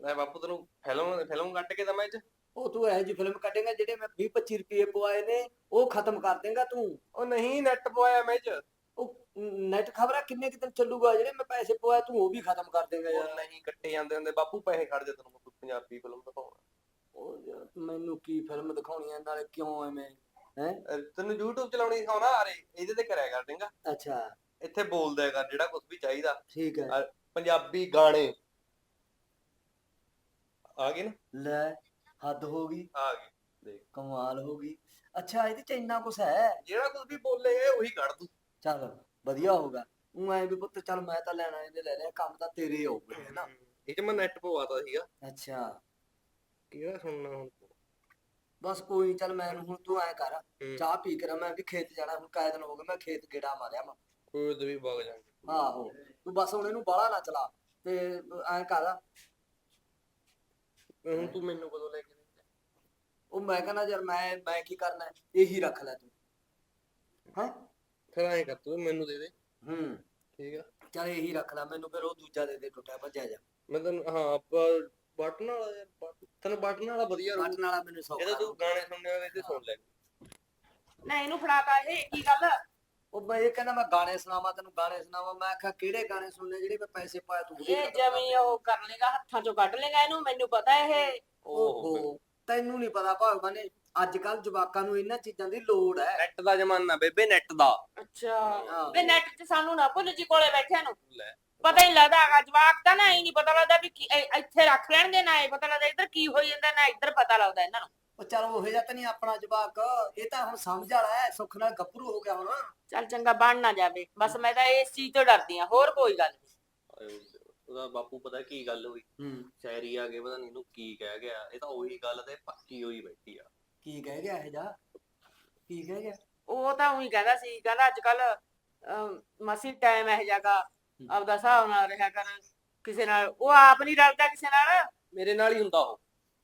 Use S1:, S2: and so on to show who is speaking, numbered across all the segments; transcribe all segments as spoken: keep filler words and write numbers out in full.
S1: ਲੈ ਬਾਪੂ ਤੈਨੂੰ ਫਿਲਮ ਫਿਲਮ ਕੱਟ ਕੇ ਦਵਾਂ ਇਹ ਚ।
S2: ਉਹ ਤੂੰ ਇਹੋ ਜਿਹੀ ਫਿਲਮ ਕੱਢੇਗਾ ਜਿਹੜੇ ਮੈਂ ਵੀਹ ਪੱਚੀ ਰੁਪਏ ਪਵਾਏ ਨੇ ਉਹ ਖਤਮ ਕਰ ਦੇਗਾ ਤੂੰ।
S1: ਉਹ ਨਹੀਂ ਨੈਟ ਪਵਾਇਆ ਮੈਂ ਇਹ ਚ।
S2: ਉਹ ਨੈਟ ਖਬਰਾਂ ਕਿੰਨੇ ਕੁ ਦਿਨ ਚੱਲੂਗਾ, ਜਿਹੜੇ ਮੈਂ ਪੈਸੇ ਪਵਾਏ ਤੂੰ ਉਹ ਵੀ ਖਤਮ ਕਰ ਦੇਗਾ
S1: ਉਹ
S2: ਯਾਰ।
S1: ਨਹੀਂ ਕੱਟੇ ਜਾਂਦੇ ਹੁੰਦੇ ਬਾਪੂ, ਪੈਸੇ ਖੜ ਜਾ ਤੈਨੂੰ ਕੋਈ ਪੰਜਾਬੀ ਫਿਲਮ ਦਿਖਾਉਣਾ।
S2: ਉਹ ਯਾਰ ਮੈਨੂੰ ਕੀ ਫਿਲਮ ਦਿਖਾਉਣੀ ਆ, ਨਾਲੇ ਕਿਉਂ ਐਵੇਂ ਹੈ।
S1: ਅਹ ਤੈਨੂੰ YouTube ਚਲਾਉਣੀ ਸਿਖਾਉਣਾ, ਅਰੇ ਇਹਦੇ ਤੇ ਕਰਿਆ ਕਰ ਦੇਂਗਾ।
S2: ਅੱਛਾ
S1: ਇੱਥੇ ਬੋਲਦਾ ਕਰ ਜਿਹੜਾ ਕੁਝ ਵੀ ਚਾਹੀਦਾ।
S2: ਠੀਕ ਹੈ।
S1: ਅਹ ਪੰਜਾਬੀ ਗਾਣੇ ਆ ਗਏ ਨਾ।
S2: ਲੈ ਹੱਦ ਹੋ ਗਈ,
S1: ਆ ਗਏ ਦੇਖ,
S2: ਕਮਾਲ ਹੋ ਗਈ। ਅੱਛਾ ਇਹਦੇ ਚ ਇੰਨਾ ਕੁਛ ਹੈ।
S1: ਜਿਹੜਾ ਕੁਝ ਵੀ ਬੋਲੇ ਉਹੀ ਕੱਢ ਦੂੰ।
S2: ਚੱਲ ਵਧੀਆ ਹੋਗਾ। ਉਹ ਐ ਵੀ ਪੁੱਤ ਚੱਲ ਮੈਂ ਤਾਂ ਲੈਣਾ ਇਹਦੇ ਲੈ ਲਿਆ, ਕੰਮ ਤਾਂ ਤੇਰੇ ਆਊਗਾ ਹੈ ਨਾ।
S1: ਇਹ ਚ ਮੈਂ ਨੈਟ ਪਵਾਤਾ ਸੀਗਾ।
S2: ਅੱਛਾ
S1: ਕਿਹੜਾ ਸੁਣਨਾ ਹੁਣ?
S2: ਬਸ ਕੋਈ ਨੀ, ਚੱਲ ਮੈਨੂੰ ਹੁਣ ਤੂੰ ਐ ਕਰ
S1: ਹੂੰ।
S2: ਚਾਹ ਪੀ ਕੇ ਨਾ, ਮੈਂ ਵੀ ਖੇਤ ਜਾਣਾ ਹੁਣ, ਕਾਇ ਦਿਨ ਹੋ ਗਏ ਮੈਂ ਖੇਤ ਗੇੜਾ ਮਾਰਿਆ ਮੈਂ।
S1: ਕੋਈ ਤੇ ਵੀ ਵਗ ਜਾਾਂਗੇ।
S2: ਆਹੋ ਤੂੰ ਬਸ ਹੁਣ ਇਹਨੂੰ ਬਾਹਲਾ ਨਾ ਚਲਾ ਤੇ ਐ ਕਰ।
S1: ਹੁਣ ਤੂੰ ਮੈਨੂੰ ਕਦੋਂ ਲੈ ਕੇ ਦਿੰਦਾ?
S2: ਉਹ ਮੈਂ ਕਹਿੰਦਾ ਯਾਰ ਮੈਂ ਮੈਂ ਕੀ ਕਰਨਾ ਹੈ, ਇਹੀ ਰੱਖ ਲੈ ਤੂੰ। ਹਾਂ
S1: ਫਿਰ ਐਂ ਕਰ ਤੂੰ ਮੈਨੂੰ ਦੇ ਦੇ।
S2: ਹੂੰ
S1: ਠੀਕ ਆ,
S2: ਚੱਲ ਇਹੀ ਰੱਖ ਲੈ, ਮੈਨੂੰ ਫਿਰ ਉਹ ਦੂਜਾ ਦੇ ਦੇ ਟੁੱਟਿਆ ਭੱਜਿਆ ਜਾ।
S1: ਮੈਂ ਤੈਨੂੰ ਹਾਂ ਬਟਨ ਵਾਲਾ ਯਾਰ, ਬਟ- ਤੈਨੂੰ ਬਟਨ ਵਾਲਾ ਵਧੀਆ ਰਹੂ।
S2: ਬਟਨ ਵਾਲਾ ਮੈਨੂੰ ਸੌਖਾ
S1: ਇਹਦਾ ਤੂੰ ਗਾਣੇ ਸੁਣਨੇ ਹੋਵੇ ਤੇ ਸੁਣ ਲੈ।
S3: ਨਾ ਇਹਨੂੰ ਫੜਾਤਾ ਇਹ ਕੀ ਗੱਲ?
S2: ਉਹ ਮੈਂ ਇਹ ਕਹਿੰਦਾ ਮੈਂ ਗਾਣੇ ਸੁਣਾਵਾਂ ਤੈਨੂੰ, ਗਾਣੇ ਸੁਣਾਵਾਂ। ਮੈਂ ਆਖਿਆ ਕਿਹੜੇ ਗਾਣੇ ਸੁਣਨੇ ਜਿਹੜੇ ਮੈਂ ਪੈਸੇ ਪਾਏ ਤੂੰ ਉਹਦੇ
S3: ਇਹ
S2: ਖਤਮ ਕਰ
S3: ਜਮੀ ਉਹ ਕਰ ਲੇਗਾ, ਹੱਥਾਂ ਚੋਂ ਕੱਢ ਲੇਗਾ ਇਹਨੂੰ, ਮੈਨੂੰ ਪਤਾ ਇਹ।
S2: ਓਹੋ ਤੈਨੂੰ ਨਹੀਂ ਪਤਾ ਭਗਵਾਨ ਨੇ ਅੱਜ ਕੱਲ ਜਵਾਕਾਂ ਨੂੰ ਇਹਨਾਂ ਚੀਜ਼ਾਂ ਦੀ ਲੋੜ ਹੈ।
S1: ਨੈਟ ਦਾ ਜ਼ਮਾਨਾ ਬੇਬੇ, ਨੈਟ ਦਾ।
S3: ਅੱਛਾ
S2: ਹਾਂ।
S3: ਵੇ ਨੈਟ ਤੇ ਸਾਨੂੰ ਨਾ ਭੁੱਲ ਜੀ ਕੋਲੇ ਬੈਠਿਆਂ ਨੂੰ
S1: ਲੈ
S3: ਪਤਾ ਹੀ ਲੱਗਦਾ ਹੈਗਾ। ਜਵਾਕ ਤਾਂ ਨਾ ਹੀ ਨਹੀਂ ਪਤਾ ਲੱਗਦਾ ਵੀ ਕੀ- ਇਹ ਇੱਥੇ ਰੱਖ ਲੈਣਗੇ, ਨਾ ਇਹ ਪਤਾ ਲੱਗਦਾ ਇੱਧਰ ਕੀ ਹੋਈ ਜਾਂਦਾ, ਨਾ ਇੱਧਰ ਪਤਾ ਲੱਗਦਾ ਇਹਨਾਂ ਨੂੰ।
S2: ਉਹ ਚੱਲ ਉਹ ਜਿਹਾ ਤਾਂ ਨਹੀਂ ਆਪਣਾ ਜਵਾਕ, ਇਹ ਤਾਂ ਹੁਣ ਸਮਝ ਵਾਲਾ ਹੈ, ਸੁੱਖ ਨਾਲ ਗੱਭਰੂ ਹੋ ਗਿਆ ਹੁਣ।
S3: ਚੱਲ ਚੰਗਾ ਬਣ ਨਾ ਜਾਵੇ, ਬਸ ਮੈਂ ਤਾਂ ਇਸ ਚੀਜ਼ ਤੋਂ ਡਰਦੀ ਆ, ਹੋਰ ਕੋਈ ਗੱਲ ਨਹੀਂ।
S1: ਉਹਦਾ ਬਾਪੂ ਪਤਾ ਕੀ ਗੱਲ ਹੋਈ,
S2: ਹੂੰ
S1: ਸ਼ਾਇਰੀ ਆ ਕੇ ਪਤਾ ਨੀ ਇਹਨੂੰ ਕੀ ਕਹਿ ਗਿਆ। ਇਹ ਤਾਂ ਉਹੀ ਗੱਲ ਤੇ ਪੱਕੀ ਹੋਈ ਬੈਠੀ ਆ।
S2: ਕੀ ਕਹਿ ਗਿਆ ਇਹ ਜਾ, ਕੀ ਕਹਿ ਗਿਆ?
S3: ਉਹ ਤਾਂ ਉਹੀ ਕਹਿੰਦਾ ਸੀ, ਕਹਿੰਦਾ ਅੱਜ ਕੱਲ ਮਸੀ ਟਾਈਮ ਇਹ ਜਾਗਾ ਆਪਦਾ ਹਿਸਾਬ ਨਾਲ ਰਿਹਾ ਕਰ, ਕਿਸੇ ਨਾਲ ਉਹ ਆਪ ਨਹੀਂ ਰਲਦਾ ਕਿਸੇ ਨਾਲ।
S1: ਮੇਰੇ ਨਾਲ ਹੀ ਹੁੰਦਾ ਉਹ।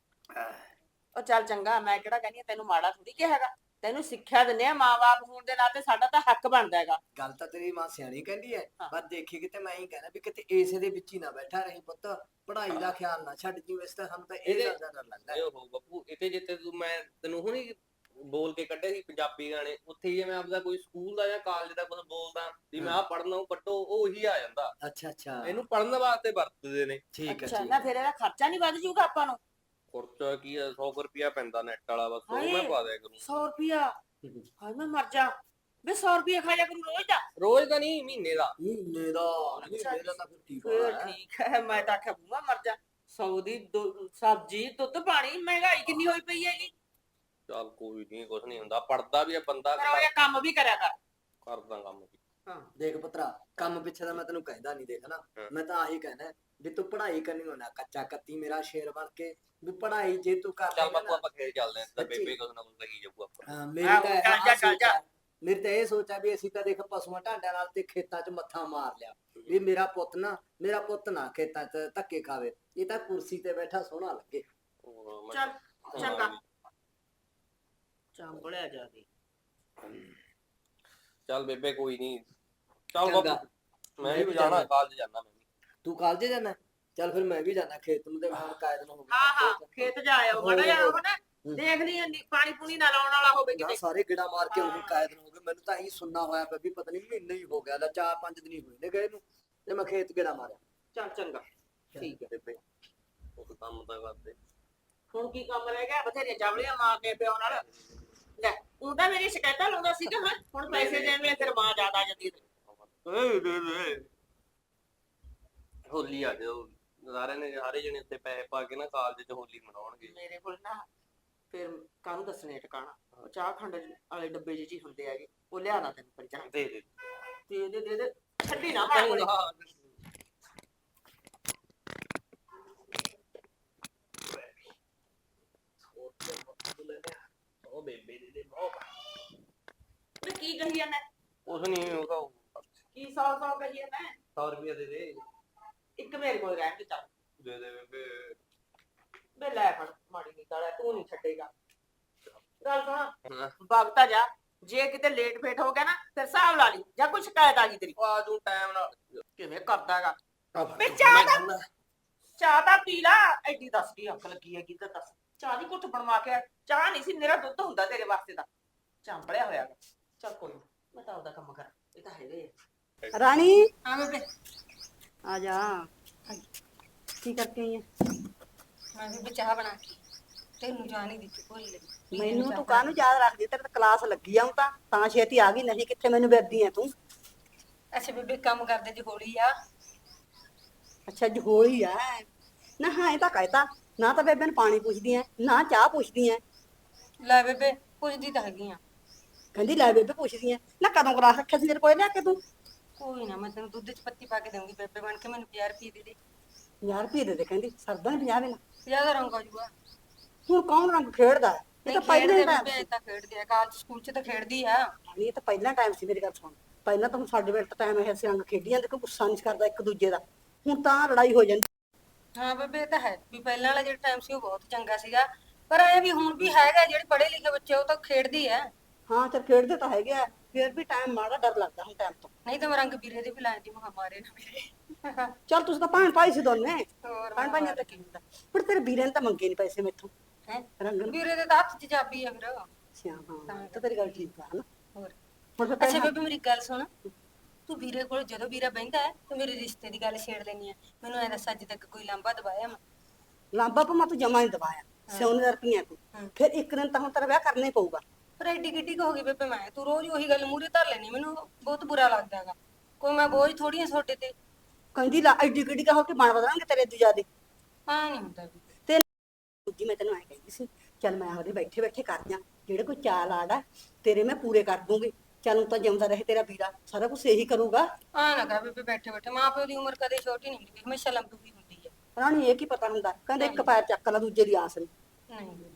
S3: ਉਹ ਚੱਲ ਚੰਗਾ, ਮੈਂ ਕਿਹੜਾ ਕਹਿੰਦੀ ਆ ਤੈਨੂੰ ਮਾੜਾ ਥੋੜੀ ਕਿਹਾ ਹੈਗਾ, ਤੈਨੂੰ ਸਿੱਖਿਆ ਦਿੰਦੇ ਆ ਮਾਂ-ਬਾਪ ਹੋਣ ਦੇ ਨਾਤੇ, ਸਾਡਾ ਤਾਂ ਹੱਕ ਬਣਦਾ ਹੈਗਾ।
S2: ਗੱਲ ਤਾਂ ਤੇਰੀ ਮਾਂ ਸਿਆਣੀ ਕਹਿੰਦੀ ਹੈ,
S3: ਹਾਂ।
S2: ਪਰ ਦੇਖੀ ਕਿਤੇ ਮੈਂ ਹੀ ਕਹਿਣਾ ਵੀ ਕਿਤੇ ਇਸੇ ਦੇ ਵਿੱਚ ਹੀ ਨਾ ਬੈਠਾ ਰਹੀ ਪੁੱਤ, ਪੜ੍ਹਾਈ ਦਾ ਖਿਆਲ ਨਾ ਛੱਡ ਜੀ। ਵੈਸੇ ਤਾਂ ਸਾਨੂੰ ਤਾਂ ਇਹ
S1: ਇਹਦੇ-
S2: ਗੱਲ ਦਾ ਡਰ ਲੱਗਦਾ ਹੈ।
S1: ਇਹ ਉਹ ਬਾਪੂ ਇਤੇ ਜਿੱਤੇ ਤੂੰ ਮੈਂ ਤੈਨੂੰ ਹੁਣੀ ਬੋਲ ਕੇ ਕੱਢੇ ਸੀ ਪੰਜਾਬੀ ਗਾਣੇ, ਉੱਥੇ ਜੇ ਮੈਂ ਆਪਦਾ ਕੋਈ ਸਕੂਲ ਦਾ ਜਾਂ ਕਾਲਜ ਦਾ ਕੁਝ ਬੋਲਦਾ ਵੀ ਮੈਂ ਆ ਪੜ੍ਹਨਾ ਉਹ ਕੱਟੋ, ਉਹ ਉਹੀ ਆ ਜਾਂਦਾ।
S2: ਅੱਛਾ ਅੱਛਾ
S1: ਇਹਨੂੰ ਪੜ੍ਹਨ ਵਾਸਤੇ ਵਰਤਦੇ ਨੇ।
S2: ਠੀਕ ਹੈ
S3: ਅੱਛਾ
S2: ਠੀਕ
S3: ਨਾ
S2: ਹੈ।
S3: ਫਿਰ ਇਹਦਾ ਖਰਚਾ ਨਹੀਂ ਵੱਧ ਜੂਗਾ ਆਪਾਂ ਨੂੰ?
S1: ਖਰਚਾ ਕੀ ਆ, ਸੌ ਰੁਪਿਆ ਪੈਂਦਾ ਨੈਟ ਵਾਲਾ, ਬਸ ਉਹ
S3: ਹਾਏ,
S1: ਮੈਂ ਪਾ ਦਿਆ ਕਰੂੰ।
S3: ਸੌ ਰੁਪਿਆ? ਹਾਏ ਮੈਂ ਮਰ ਜਾ ਵੇ, ਸੌ ਰੁਪਿਆ ਖਾਇਆ ਕਰੂ ਰੋਜ਼ ਦਾ?
S1: ਰੋਜ਼ ਦਾ ਨਹੀਂ, ਮਹੀਨੇ ਦਾ।
S2: ਮਹੀਨੇ ਦਾ ਮਹੀਨੇ ਦਾ ਤਾਂ ਫਿਰ ਠੀਕ
S3: ਫਿਰ
S2: ਹੈ।
S3: ਠੀਕ ਹੈ, ਮੈਂ ਤਾਂ ਆਖਿਆ ਬੂਆ ਮਰ ਜਾ। ਸੌ ਦੀ ਦੁ- ਸਬਜ਼ੀ ਦੁੱਧ ਪਾਣੀ, ਮਹਿੰਗਾਈ ਕਿੰਨੀ ਹੋਈ ਪਈ ਹੈਗੀ।
S1: ਚੱਲ ਕੋਈ ਨਹੀਂ, ਕੁਛ ਨਹੀਂ ਹੁੰਦਾ, ਪੜਦਾ ਵੀ ਆ ਬੰਦਾ,
S3: ਪਰ ਉਹ ਇਹ ਕੰਮ ਵੀ ਕਰਿਆ ਕਰ।
S1: ਕਰਦਾ ਕੰਮ ਵੀ।
S3: ਹਾਂ
S2: ਦੇਖ ਪੁੱਤਰਾ, ਕੰਮ ਪਿੱਛੇ ਦਾ ਮੈਂ ਤੈਨੂੰ ਕਹਿੰਦਾ ਨਹੀਂ, ਦੇਖ ਨਾ
S1: ਹਾਂ।
S2: ਮੈਂ ਤਾਂ ਆਹੀ ਕਹਿਣਾ ਵੀ ਤੂੰ ਪੜ੍ਹਾਈ ਕਰਨੀ ਹੋਣਾ, ਕੱਚਾ ਕੱਤੀ ਮੇਰਾ ਸ਼ੇਰ ਬਣ ਕੇ ਵੀ ਪੜ੍ਹਾਈ ਜੇ ਤੂੰ ਕਰ
S1: ਚੱਲ
S2: ਲਏਗਾ
S1: ਬਾਪੂ
S2: ਨਾ।
S1: ਆਪਾਂ ਖੇਡ ਚੱਲਦੇ ਆਂ, ਤਾਂ
S2: ਸੱਚੀ।
S1: ਬੇਬੇ ਕੁਛ ਨਾ ਕੁਛ ਲੱਗੀ ਜਾਊਗਾ ਆਪਾਂ।
S2: ਹਾਂ ਮੇਰੀ
S3: ਆਹੋ,
S2: ਤਾਂ
S3: ਚੱਲ
S2: ਆਹ
S3: ਜਾ, ਚੱਲ
S2: ਸੋਚ
S3: ਜਾ।
S2: ਹੈ। ਮੇਰੀ ਤਾਂ ਇਹ ਸੋਚ ਹੈ ਵੀ ਅਸੀਂ ਤਾਂ ਦੇਖ ਪਸ਼ੂਆਂ ਢਾਂਡਿਆਂ ਨਾਲ ਤੇ ਖੇਤਾਂ 'ਚ ਮੱਥਾ ਮਾਰ ਲਿਆ ਵੀ ਮੇਰਾ ਪੁੱਤ ਨਾ ਮੇਰਾ ਪੁੱਤ ਨਾ ਖੇਤਾਂ 'ਚ ਧੱਕੇ ਖਾਵੇ, ਇਹ ਤਾਂ ਕੁਰਸੀ ਤੇ ਬੈਠਾ ਸੋਹਣਾ ਲੱਗੇ।
S1: ਉਹ ਮੈਂ-
S3: ਚੱਲ ਚੰਗਾ ਚਾਂਬਲਿਆ ਜਾ ਕੇ।
S1: ਚੱਲ ਬੇਬੇ ਕੋਈ ਨਹੀਂ, ਚੱਲ
S2: ਚੰਗਾ।
S1: ਬਾਪੂ ਮੈਂ
S2: ਮੈਂ
S1: ਵੀ
S2: ਵੀ
S1: ਜਾਣਾ,
S2: ਜਾਣਾ।
S1: ਕਾਲਜ ਜਾਣਾ ਮੈਂ ਵੀ।
S2: ਤੂੰ ਕਾਲਜ ਜਾਣਾ? ਚੱਲ ਫਿਰ ਮੈਂ ਵੀ ਜਾਣਾ ਖੇਤ ਨੂੰ, ਤੇ ਮੈਂ ਹੁਣ ਕਾਇਦ ਨੂੰ ਹੋ ਗਿਆ।
S3: ਹਾਂ ਹਾਂ ਖੇਤ ਜਾ ਆਇਓ ਮਾੜਾ ਜਿਹਾ, ਉਹ ਨਾ
S2: ਹੂੰ।
S3: ਦੇਖ ਲਈ ਇੰਨੀ ਪਾਣੀ ਪੂਣੀ ਨਾ ਲਾਉਣ ਵਾਲਾ ਹੋਵੇ
S2: ਨਾ
S3: ਕਿਤੇ।
S2: ਸਾਰੇ ਗਿੜਾ ਮਾਰ ਕੇ ਉਹ ਕਾਇਦ ਨੂੰ ਹੋ ਗਏ। ਮੈਨੂੰ ਤਾਂ ਇਹੀ ਸੁਣਨਾ ਹੋਇਆ ਪਿਆ ਵੀ ਪਤਾ ਨਹੀਂ ਮਹੀਨਾ ਹੀ ਹੋ ਗਿਆ, ਲੈ ਚਾਰ ਪੰਜ ਦਿਨ ਹੀ ਹੋਏ ਨੇ ਗਏ ਨੂੰ, ਤੇ ਮੈਂ ਖੇਤ ਗਿੜਾ ਮਾਰਿਆ।
S3: ਚੱਲ ਚੰਗਾ ਠੀਕ ਹੈ।
S1: ਬੇਬੇ ਉਹ ਕੰਮ ਤਾਂ ਕਰਦੇ।
S3: ਹੁਣ ਕੀ ਕੰਮ ਰਹਿ ਗਿਆ, ਬਥੇਰੀਆਂ ਚਾਵਲੀਆਂ ਮਾਰ ਕੇ ਪਿਓ ਨਾਲ। ਲੈ ਉਹ ਤਾਂ ਮੇਰੀ ਸ਼ਿਕਾਇਤਾਂ ਲਾਉਂਦਾ ਸੀਗਾ, ਹਾਂ ਹੁਣ ਪੈਸੇ ਦੇਣ ਵੇਲੇ ਤੇਰੀ ਮਾਂ ਜ਼ਿਆਦਾ ਆ ਜਾਂਦੀ ਹੈ।
S1: ਏ ਦੇ ਦੇ ਹੋਲੀ ਆ ਜਾਓ, ਸਾਰਿਆਂ ਨੇ ਸਾਰੇ ਜਣੇ ਉੱਤੇ ਪੈਸੇ ਪਾ ਕੇ ਨਾ ਕਾਲਜ 'ਚ ਹੋਲੀ ਮਨਾਉਣਗੇ।
S3: ਮੇਰੇ ਕੋਲ ਨਾ ਫਿਰ ਕਾਹਨੂੰ ਦੱਸਣੇ ਟਿਕਾਣਾ, ਉਹ ਚਾਹ ਖੰਡ ਵਾਲੇ ਡੱਬੇ ਜਿਹੇ 'ਚ ਹੀ ਹੁੰਦੇ ਹੈਗੇ, ਉਹ ਲਿਆਣਾ ਤੈਨੂੰ ਪੰਜਾਹ
S1: ਦੇ ਦੇ
S3: ਦੇ ਦੇ ਦੇ ਦੇ ਛੱਡੀ ਨਾ ਮਾਰ ਕੋਲੇ।
S1: ਉਹ ਬੇਬੇ ਦੇ ਦੇ ਬਹੁਤ
S3: ਤੇ ਕੀ ਕਹੀ ਜਾਂਦਾ,
S1: ਕੁਛ ਨਹੀਂ, ਉਹ ਤਾਂ
S3: ਕੀ ਸੌ ਸੌ ਕਹੀ ਜਾਂਦਾ?
S1: ਸੌ ਰੁਪਇਆ ਦੇ ਦੇ।
S3: ਇੱਕ ਮੇਰੇ ਕੋਲ ਰਹਿਣ ਦੇ ਚੱਲ।
S1: ਦੇ ਦੇ ਬੇਬੇ।
S3: ਵੇ ਲੈ ਫੜ ਮਾੜੀ ਨੀ ਤਾਲਾ, ਤੂੰ ਨਹੀਂ ਛੱਡੇਗਾ। ਗੱਲ ਸੁਣ
S1: ਹਾਂ।
S3: ਵਗਤਾ ਜਾ, ਜੇ ਕਿਤੇ ਲੇਟ ਫੇਟ ਹੋ ਗਿਆ ਨਾ ਫਿਰ ਹਿਸਾਬ ਲਾ ਲਈ, ਜਾਂ ਕੋਈ ਸ਼ਿਕਾਇਤ ਆ ਗਈ ਤੇਰੀ।
S1: ਆ ਤੂੰ ਟਾਈਮ ਨਾਲ
S3: ਕਿਵੇਂ ਕਰਦਾ ਹੈਗਾ
S1: ਆ ਫੜ।
S3: ਵੇ ਚਾਹ
S1: ਮੈਂ
S3: ਦਾ-
S1: ਕਹਿੰਦਾ,
S3: ਚਾਹ ਤਾਂ ਪੀ ਲਾ। ਐਡੀ ਦੱਸ ਕੀ ਅੱਖ ਲੱਗੀ ਹੈਗੀ ਤਾਂ ਦੱਸ। ਚਾਹ ਦੀ ਘੁੱਟ ਬਣਵਾ ਕੇ ਆ। ਚਾਹ ਨਹੀਂ ਸੀ ਮੇਰਾ ਦੁੱਧ ਹੁੰਦਾ ਤੇਰੇ ਵਾਸਤੇ ਤਾਂ ਚਾਂਪੜਿਆ ਹੋਇਆ ਗਾ। ਚੱਲ ਕੋਈ ਨੀ, ਮੈਂ ਤਾਂ ਆਪਦਾ ਕੰਮ ਕਰਾਂ, ਇਹ ਤਾਂ ਹੈਗਾ ਹੀ ਆ।
S4: ਰਾਣੀ
S3: ਹਾਂ ਬੇਬੇ
S4: ਆ ਜਾ। ਕੀ ਕਰਕੇ ਆਈ ਹੈ?
S3: ਮੈਂ ਵੀ ਚਾਹ ਬਣਾ ਕੇ ਤੈਨੂੰ ਜਾਣ ਹੀ ਦਿੱਤੀ ਭੁੱਲ ਗਈ।
S4: ਮੈਨੂੰ ਤੂੰ ਕਾਹਨੂੰ ਯਾਦ ਰੱਖਦੀ? ਤੇਰੇ ਤਾਂ ਕਲਾਸ ਲੱਗੀ ਆ ਹੁਣ ਤਾਂ ਤਾਂ ਛੇਤੀ ਆ ਗਈ, ਨਹੀਂ ਕਿੱਥੇ ਮੈਨੂੰ ਫਿਰਦੀ ਐ ਤੂੰ।
S3: ਅੱਛਾ ਬੇਬੇ ਕੰਮ ਕਰਦੇ ਜੀ ਹੌਲੀ ਆ।
S4: ਅੱਛਾ ਜੀ ਹੋਲੀ ਆ ਨਾ? ਹਾਂ ਇਹ ਤਾਂ ਕਹਿਤਾ ਨਾ, ਤਾਂ ਬੇਬੇ ਨੂੰ ਪਾਣੀ ਪੁੱਛਦੀ ਐ ਨਾ ਚਾਹ ਪੁੱਛਦੀ ਐ।
S3: ਲੈ ਬੇਬੇ ਪੁੱਛਦੀ ਤਾਂ ਹੈਗੀ ਆ।
S4: ਕਹਿੰਦੀ ਲੈ ਬੇਬੇ ਪੁੱਛਦੀ ਐ ਨਾ, ਕਦੋਂ ਕਲਾਸ ਰੱਖਿਆ ਸੀ ਮੇਰੇ ਕੋਲ ਲਿਆ ਕੇ ਤੂੰ?
S3: ਕੋਈ ਨਾ ਮੈਂ ਤੈਨੂੰ ਦੁੱਧ ਚ ਪੱਤੀ ਪਾ ਕੇ ਦਊਂਗੀ ਬੇਬੇ ਬਣ ਕੇ। ਮੈਨੂੰ ਪੰਜਾਹ ਰੁਪਏ ਦੇ ਦੇ।
S4: ਪੰਜਾਹ ਰੁਪਏ ਦੇ ਦੇ ਕਹਿੰਦੀ, ਸਰਦਾ ਨੀ ਪੰਜਾਹ ਬਿਨਾ।
S3: ਪੰਜਾਹ ਦਾ ਰੰਗ ਆ ਜੂਗਾ।
S4: ਹੁਣ ਕੌਣ ਰੰਗ ਖੇਡਦਾ ਹੈ? ਇਹ ਤਾਂ ਪਹਿਲਾਂ
S3: ਖੇਡਦੇ
S4: ਟਾਈਮ
S3: ਬੇਬੇ
S4: ਸੀ।
S3: ਤਾਂ ਖੇਡਦੇ ਆ, ਕਾਲਜ ਸਕੂਲ ਚ ਤਾਂ ਖੇਡਦੀ ਆ।
S4: ਇਹ ਤਾਂ ਪਹਿਲਾਂ ਟਾਈਮ ਸੀ, ਮੇਰੀ ਗੱਲ ਸੁਣ। ਪਹਿਲਾਂ ਤਾਂ ਹੁਣ ਸਾਡੇ ਵੇਲੇ ਤਾਂ ਟਾਈਮ ਇਹ ਸੀ ਰੰਗ ਖੇਡੀ ਜਾਂਦੇ, ਕੋਈ ਗੁੱਸਾ ਨਹੀਂ ਕਰਦਾ ਇੱਕ ਦੂਜੇ ਦਾ। ਹੁਣ ਤਾਂ ਲੜਾਈ ਹੋ ਜਾਂਦੀ।
S3: ਹਾਂ ਬੇਬੇ ਇਹ ਤਾਂ ਹੈ ਵੀ ਪਹਿਲਾਂ ਵਾਲਾ ਜਿਹੜਾ ਟਾਈਮ ਸੀ ਉਹ ਬਹੁਤ ਚੰਗਾ ਸੀਗਾ, ਪਰ ਐ ਵੀ ਹੁਣ ਵੀ ਹੈਗਾ, ਜਿਹੜੇ ਪੜ੍ਹੇ ਲਿਖੇ ਬੱਚੇ ਉਹ ਤਾਂ ਖੇਡਦੀ ਐ।
S4: ਹਾਂ ਚੱਲ ਖੇਡਦੇ ਤਾਂ ਹੈਗੇ ਆ, ਫਿਰ ਵੀ ਟਾਈਮ ਮਾੜਾ ਡਰ ਲੱਗਦਾ ਹੁਣ ਟਾਈਮ ਤੋਂ।
S3: ਨਹੀਂ ਤਾਂ ਮੈਂ ਰੰਗ ਵੀਰੇ ਦੇ ਵੀ ਲਾਉਂਦੀ, ਮੈਂ ਕਿਹਾ ਮਾਰੇ ਨਾ ਮੇਰੇ।
S4: ਚੱਲ ਤੁਸੀਂ ਤਾਂ ਭੈਣ ਭਾਈ ਸੀ ਦੋਨੇ।
S3: ਹੋਰ
S4: ਭੈਣ ਭਾਈਆਂ ਤਾਂ ਕੀ ਹੁੰਦਾ, ਪਰ ਤੇਰੇ ਵੀਰੇ ਨੇ ਤਾਂ ਮੰਗੇ ਨਹੀਂ ਪੈਸੇ ਮੈਥੋਂ
S3: ਹੈ
S4: ਰੰਗ ਨੂੰ।
S3: ਵੀਰੇ ਦੇ ਤਾਂ ਹੱਥ 'ਚ ਚਾਬੀ ਆ ਫਿਰ।
S4: ਅੱਛਾ ਹਾਂ, ਤਾਂ ਤੇਰੀ ਗੱਲ ਠੀਕ ਆ ਹਨਾ।
S3: ਹੋਰ
S4: ਹੁਣ ਫਿਰ
S3: ਅੱਛਾ
S4: ਭੈਣ-
S3: ਬੇਬੇ ਮੇਰੀ ਗੱਲ ਸੁਣ, ਤੂੰ ਵੀਰੇ ਕੋਲ ਜਦੋਂ ਵੀਰਾ ਬਹਿੰਦਾ ਹੈ ਤੂੰ ਮੇਰੇ ਰਿਸ਼ਤੇ ਦੀ ਗੱਲ ਛੇੜ ਲੈਣੀ ਆ। ਮੈਨੂੰ ਐ ਦੱਸ ਅੱਜ ਤੱਕ ਕੋਈ ਲਾਂਭਾ ਦਵਾਇਆ ਮੈਂ?
S4: ਲਾਂਬਾ ਪਾ ਤੂੰ ਜਮਾ ਨਹੀਂ ਦਵਾਇਆ, ਸੋਨੇ ਦਾ ਰੁਪਈਆ ਤੂੰ। ਫਿਰ ਇੱਕ ਦਿਨ ਤਾਂ ਹੁਣ ਤੇਰਾ ਵਿਆਹ ਕਰਨਾ ਹੀ ਪਊਗਾ।
S3: ਪਰ ਐਡੀ ਕਿੱਡੀ ਕੁ ਹੋ ਗਈ ਬੇਬੇ, ਮੈਂ ਤੂੰ ਰੋਜ਼ ਉਹੀ ਗੱਲ ਮੂਹਰੇ ਧਰ ਲੈਣੀ, ਮੈਨੂੰ ਬਹੁਤ ਬੁਰਾ ਲੱਗਦਾ ਹੈਗਾ। ਕੋਈ ਮੈਂ ਬੋਝ ਥੋੜੀ ਆ ਤੁਹਾਡੇ ਤੇ।
S4: ਕਹਿੰਦੀ ਲਾ ਐਡੀ ਕਿੱਡੀ ਕਾ ਹੋ ਕੇ ਬਣ ਬਦਲਾਂਗੇ ਤੇਰੇ ਤੋਂ ਜ਼ਿਆਦੇ।
S3: ਹਾਂ ਨਹੀਂ ਹੁੰਦਾ ਬੇਬੇ।
S4: ਤੇ ਦੂਜੀ ਮੈਂ ਤੈਨੂੰ ਐ ਕਹਿੰਦੀ ਸੀ, ਚੱਲ ਮੈਂ ਉਹਦੇ ਬੈਠੇ ਬੈਠੇ ਕਰ ਜਾ ਜਿਹੜੇ ਕੋਈ ਚਾਲ ਆੜਾ ਤੇਰੇ ਮੈਂ ਪੂਰੇ ਕਰ ਦੂੰਗੀ। ਚੱਲ ਤਾਂ ਜਿਉਂਦਾ ਰਹੇ ਤੇਰਾ ਵੀਰਾ, ਸਾਰਾ ਕੁਝ ਇਹੀ ਕਰੂਗਾ।
S3: ਆ ਨਾ ਕਹਿ ਬੇਬੇ ਬੈਠੇ ਬੈਠੇ, ਮਾਂ ਪਿਓ ਦੀ ਉਮਰ ਕਦੇ ਛੋਟੀ ਨਹੀਂ ਹੁੰਦੀ, ਹਮੇਸ਼ਾ ਲੰਬੀ ਹੁੰਦੀ ਹੈ।
S4: ਰਾਣੀ ਇਹ ਕੀ ਪਤਾ ਹੁੰਦਾ, ਕਹਿੰਦੇ ਇੱਕ ਪੈਰ ਚੱਕ ਲਾ ਦੂਜੇ ਦੀ ਆਸ ਨਹੀਂ।
S3: ਨਹੀਂ ਬੇਬੇ,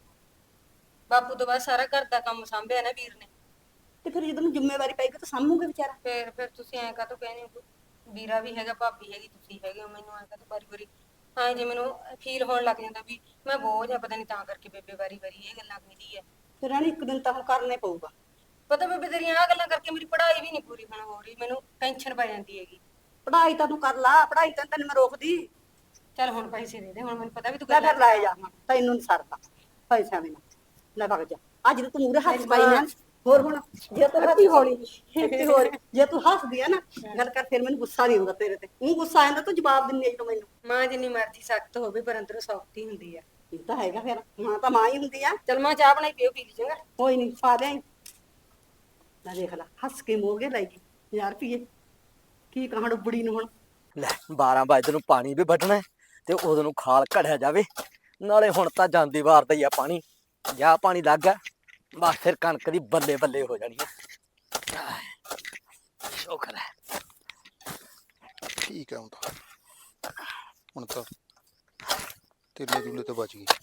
S3: ਬਾਪੂ ਤੋਂ ਬਾਅਦ ਸਾਰਾ ਘਰ ਦਾ ਕੰਮ ਸੰਭਿਆ ਨਾ ਵੀਰ ਨੇ।
S4: ਤੇ ਫਿਰ ਜਦੋਂ ਜ਼ਿੰਮੇਵਾਰੀ ਪੈਗੀ ਤਾਂ ਸਾਂਭੂਗੇ ਵਿਚਾਰਾ।
S3: ਫਿਰ ਫਿਰ ਤੁਸੀਂ ਐਂ ਕਾਹਤੋਂ ਕਹਿੰਦੇ ਹੋ? ਵੀਰਾ ਵੀ ਹੈਗਾ, ਭਾਬੀ ਹੈਗੀ, ਤੁਸੀਂ ਹੈਗੇ ਹੋ, ਮੈਨੂੰ ਐਂ ਕਾਹਤੋਂ ਵਾਰੀ ਵਾਰੀ ਹਾਂ ਜੇ ਮੈਨੂੰ ਫੀਲ ਹੋਣ ਲੱਗ ਜਾਂਦਾ ਵੀ ਮੈਂ ਬੋਝ ਆ, ਪਤਾ ਨਹੀਂ ਤਾਂ ਕਰਕੇ ਬੇਬੇ ਵਾਰੀ ਵਾਰੀ ਇਹ ਗੱਲਾਂ ਕਹਿੰਦੀ ਹੈ।
S4: ਫਿਰ ਰਾਣੀ ਇੱਕ ਦਿਨ ਤਾਂ ਹੁਣ ਕਰਨਾ ਹੀ ਪਊਗਾ।
S3: ਪਤਾ ਬੇਬੇ ਤੇਰੀਆਂ ਆਹ ਗੱਲਾਂ ਕਰਕੇ ਮੇਰੀ ਪੜ੍ਹਾਈ ਵੀ ਨਹੀਂ ਪੂਰੀ ਹੁਣ ਹੋ ਰਹੀ, ਮੈਨੂੰ ਟੈਨਸ਼ਨ ਪੈ ਜਾਂਦੀ ਹੈਗੀ।
S4: ਪੜ੍ਹਾਈ ਤਾਂ ਤੂੰ ਕਰ ਲਾ, ਪੜ੍ਹਾਈ ਤਾਂ ਤੈਨੂੰ ਮੈਂ ਰੋਕਦੀ।
S3: ਚੱਲ ਹੁਣ ਪੈਸੇ ਦੇ ਦੇ, ਹੁਣ ਮੈਨੂੰ ਪਤਾ ਵੀ ਤੂੰ
S4: ਲੈ
S3: ਗੱਲਾਂ
S4: ਫਿਰ ਲੈ ਜਾ, ਤੈਨੂੰ ਨੀ ਸਰਦਾ ਪੈਸਾ ਬਿਨਾ। ਲੈ ਵਗ ਜਾ, ਅੱਜ ਤਾਂ ਤੂੰ ਮੂਰੇ ਹੱਥ ਪਾਈ ਨਾ। ਹੋਰ ਹੁਣ ਜੇ ਤੂੰ ਹੱਥੀ ਹੋਣੀ ਤੇ ਹੋਰ ਜੇ ਤੂੰ ਹੱਸਦੀ ਆ ਨਾ ਗੱਲ ਕਰ, ਫਿਰ ਮੈਨੂੰ ਗੁੱਸਾ ਨਹੀਂ ਆਉਂਦਾ ਤੇਰੇ ਤੇ। ਉਹ ਗੁੱਸਾ ਆਉਂਦਾ ਤੂੰ ਜਵਾਬ ਦਿੰਦੀ ਜਦੋਂ ਮੈਨੂੰ।
S3: ਮਾਂ ਜਿੰਨੀ ਮਰਜ਼ੀ ਸਖਤ ਹੋਵੇ ਪਰ ਅੰਦਰੋਂ ਸੌਫਟ ਹੀ ਹੁੰਦੀ ਆ।
S4: ਇਹ ਤਾਂ ਹੈਗਾ, ਫਿਰ ਮਾਂ ਤਾਂ ਮਾਂ ਹੀ ਹੁੰਦੀ ਆ।
S3: ਚੱਲ ਮਾਂ ਚਾਹ ਬਣਾਈ ਪਿਓ, ਪੀ ਲਈ ਚੰਗਾ।
S4: ਕੋਈ ਨਹੀਂ ਪਾ ਦੇ। ਲੈ ਦੇਖ ਲੈ ਹੱਸ ਕੇ ਮੋਗੇ ਲੈ ਗਈ ਪੰਜਾਹ ਰੁਪਈਏ। ਕੀ ਕਹਾਂ ਡੁੱਬੜੀ ਨੂੰ ਹੁਣ।
S5: ਲੈ ਬਾਰਾਂ ਵਜੇ ਨੂੰ ਪਾਣੀ ਵੀ ਵੱਢਣਾ ਹੈ ਤੇ ਉਦੋਂ ਨੂੰ ਖਾਲ ਘੜਿਆ ਜਾਵੇ। ਨਾਲੇ ਹੁਣ ਤਾਂ ਜਾਂਦੀ ਵਾਰ ਦਾ ਹੀ ਆ ਪਾਣੀ, ਜਾ ਪਾਣੀ ਲੱਗ ਗਿਆ ਬਸ ਫਿਰ ਕਣਕ ਦੀ ਬੱਲੇ ਬੱਲੇ ਹੋ ਜਾਣੀ ਹੈ। ਸ਼ੁਕਰ ਹੈ।
S6: ਠੀਕ ਹੈ ਹੁਣ ਤਾਂ ਹੁਣ ਤਾਂ ਤੇਲੇ ਦੂਲੇ ਤੋਂ ਬਚ ਗਈ।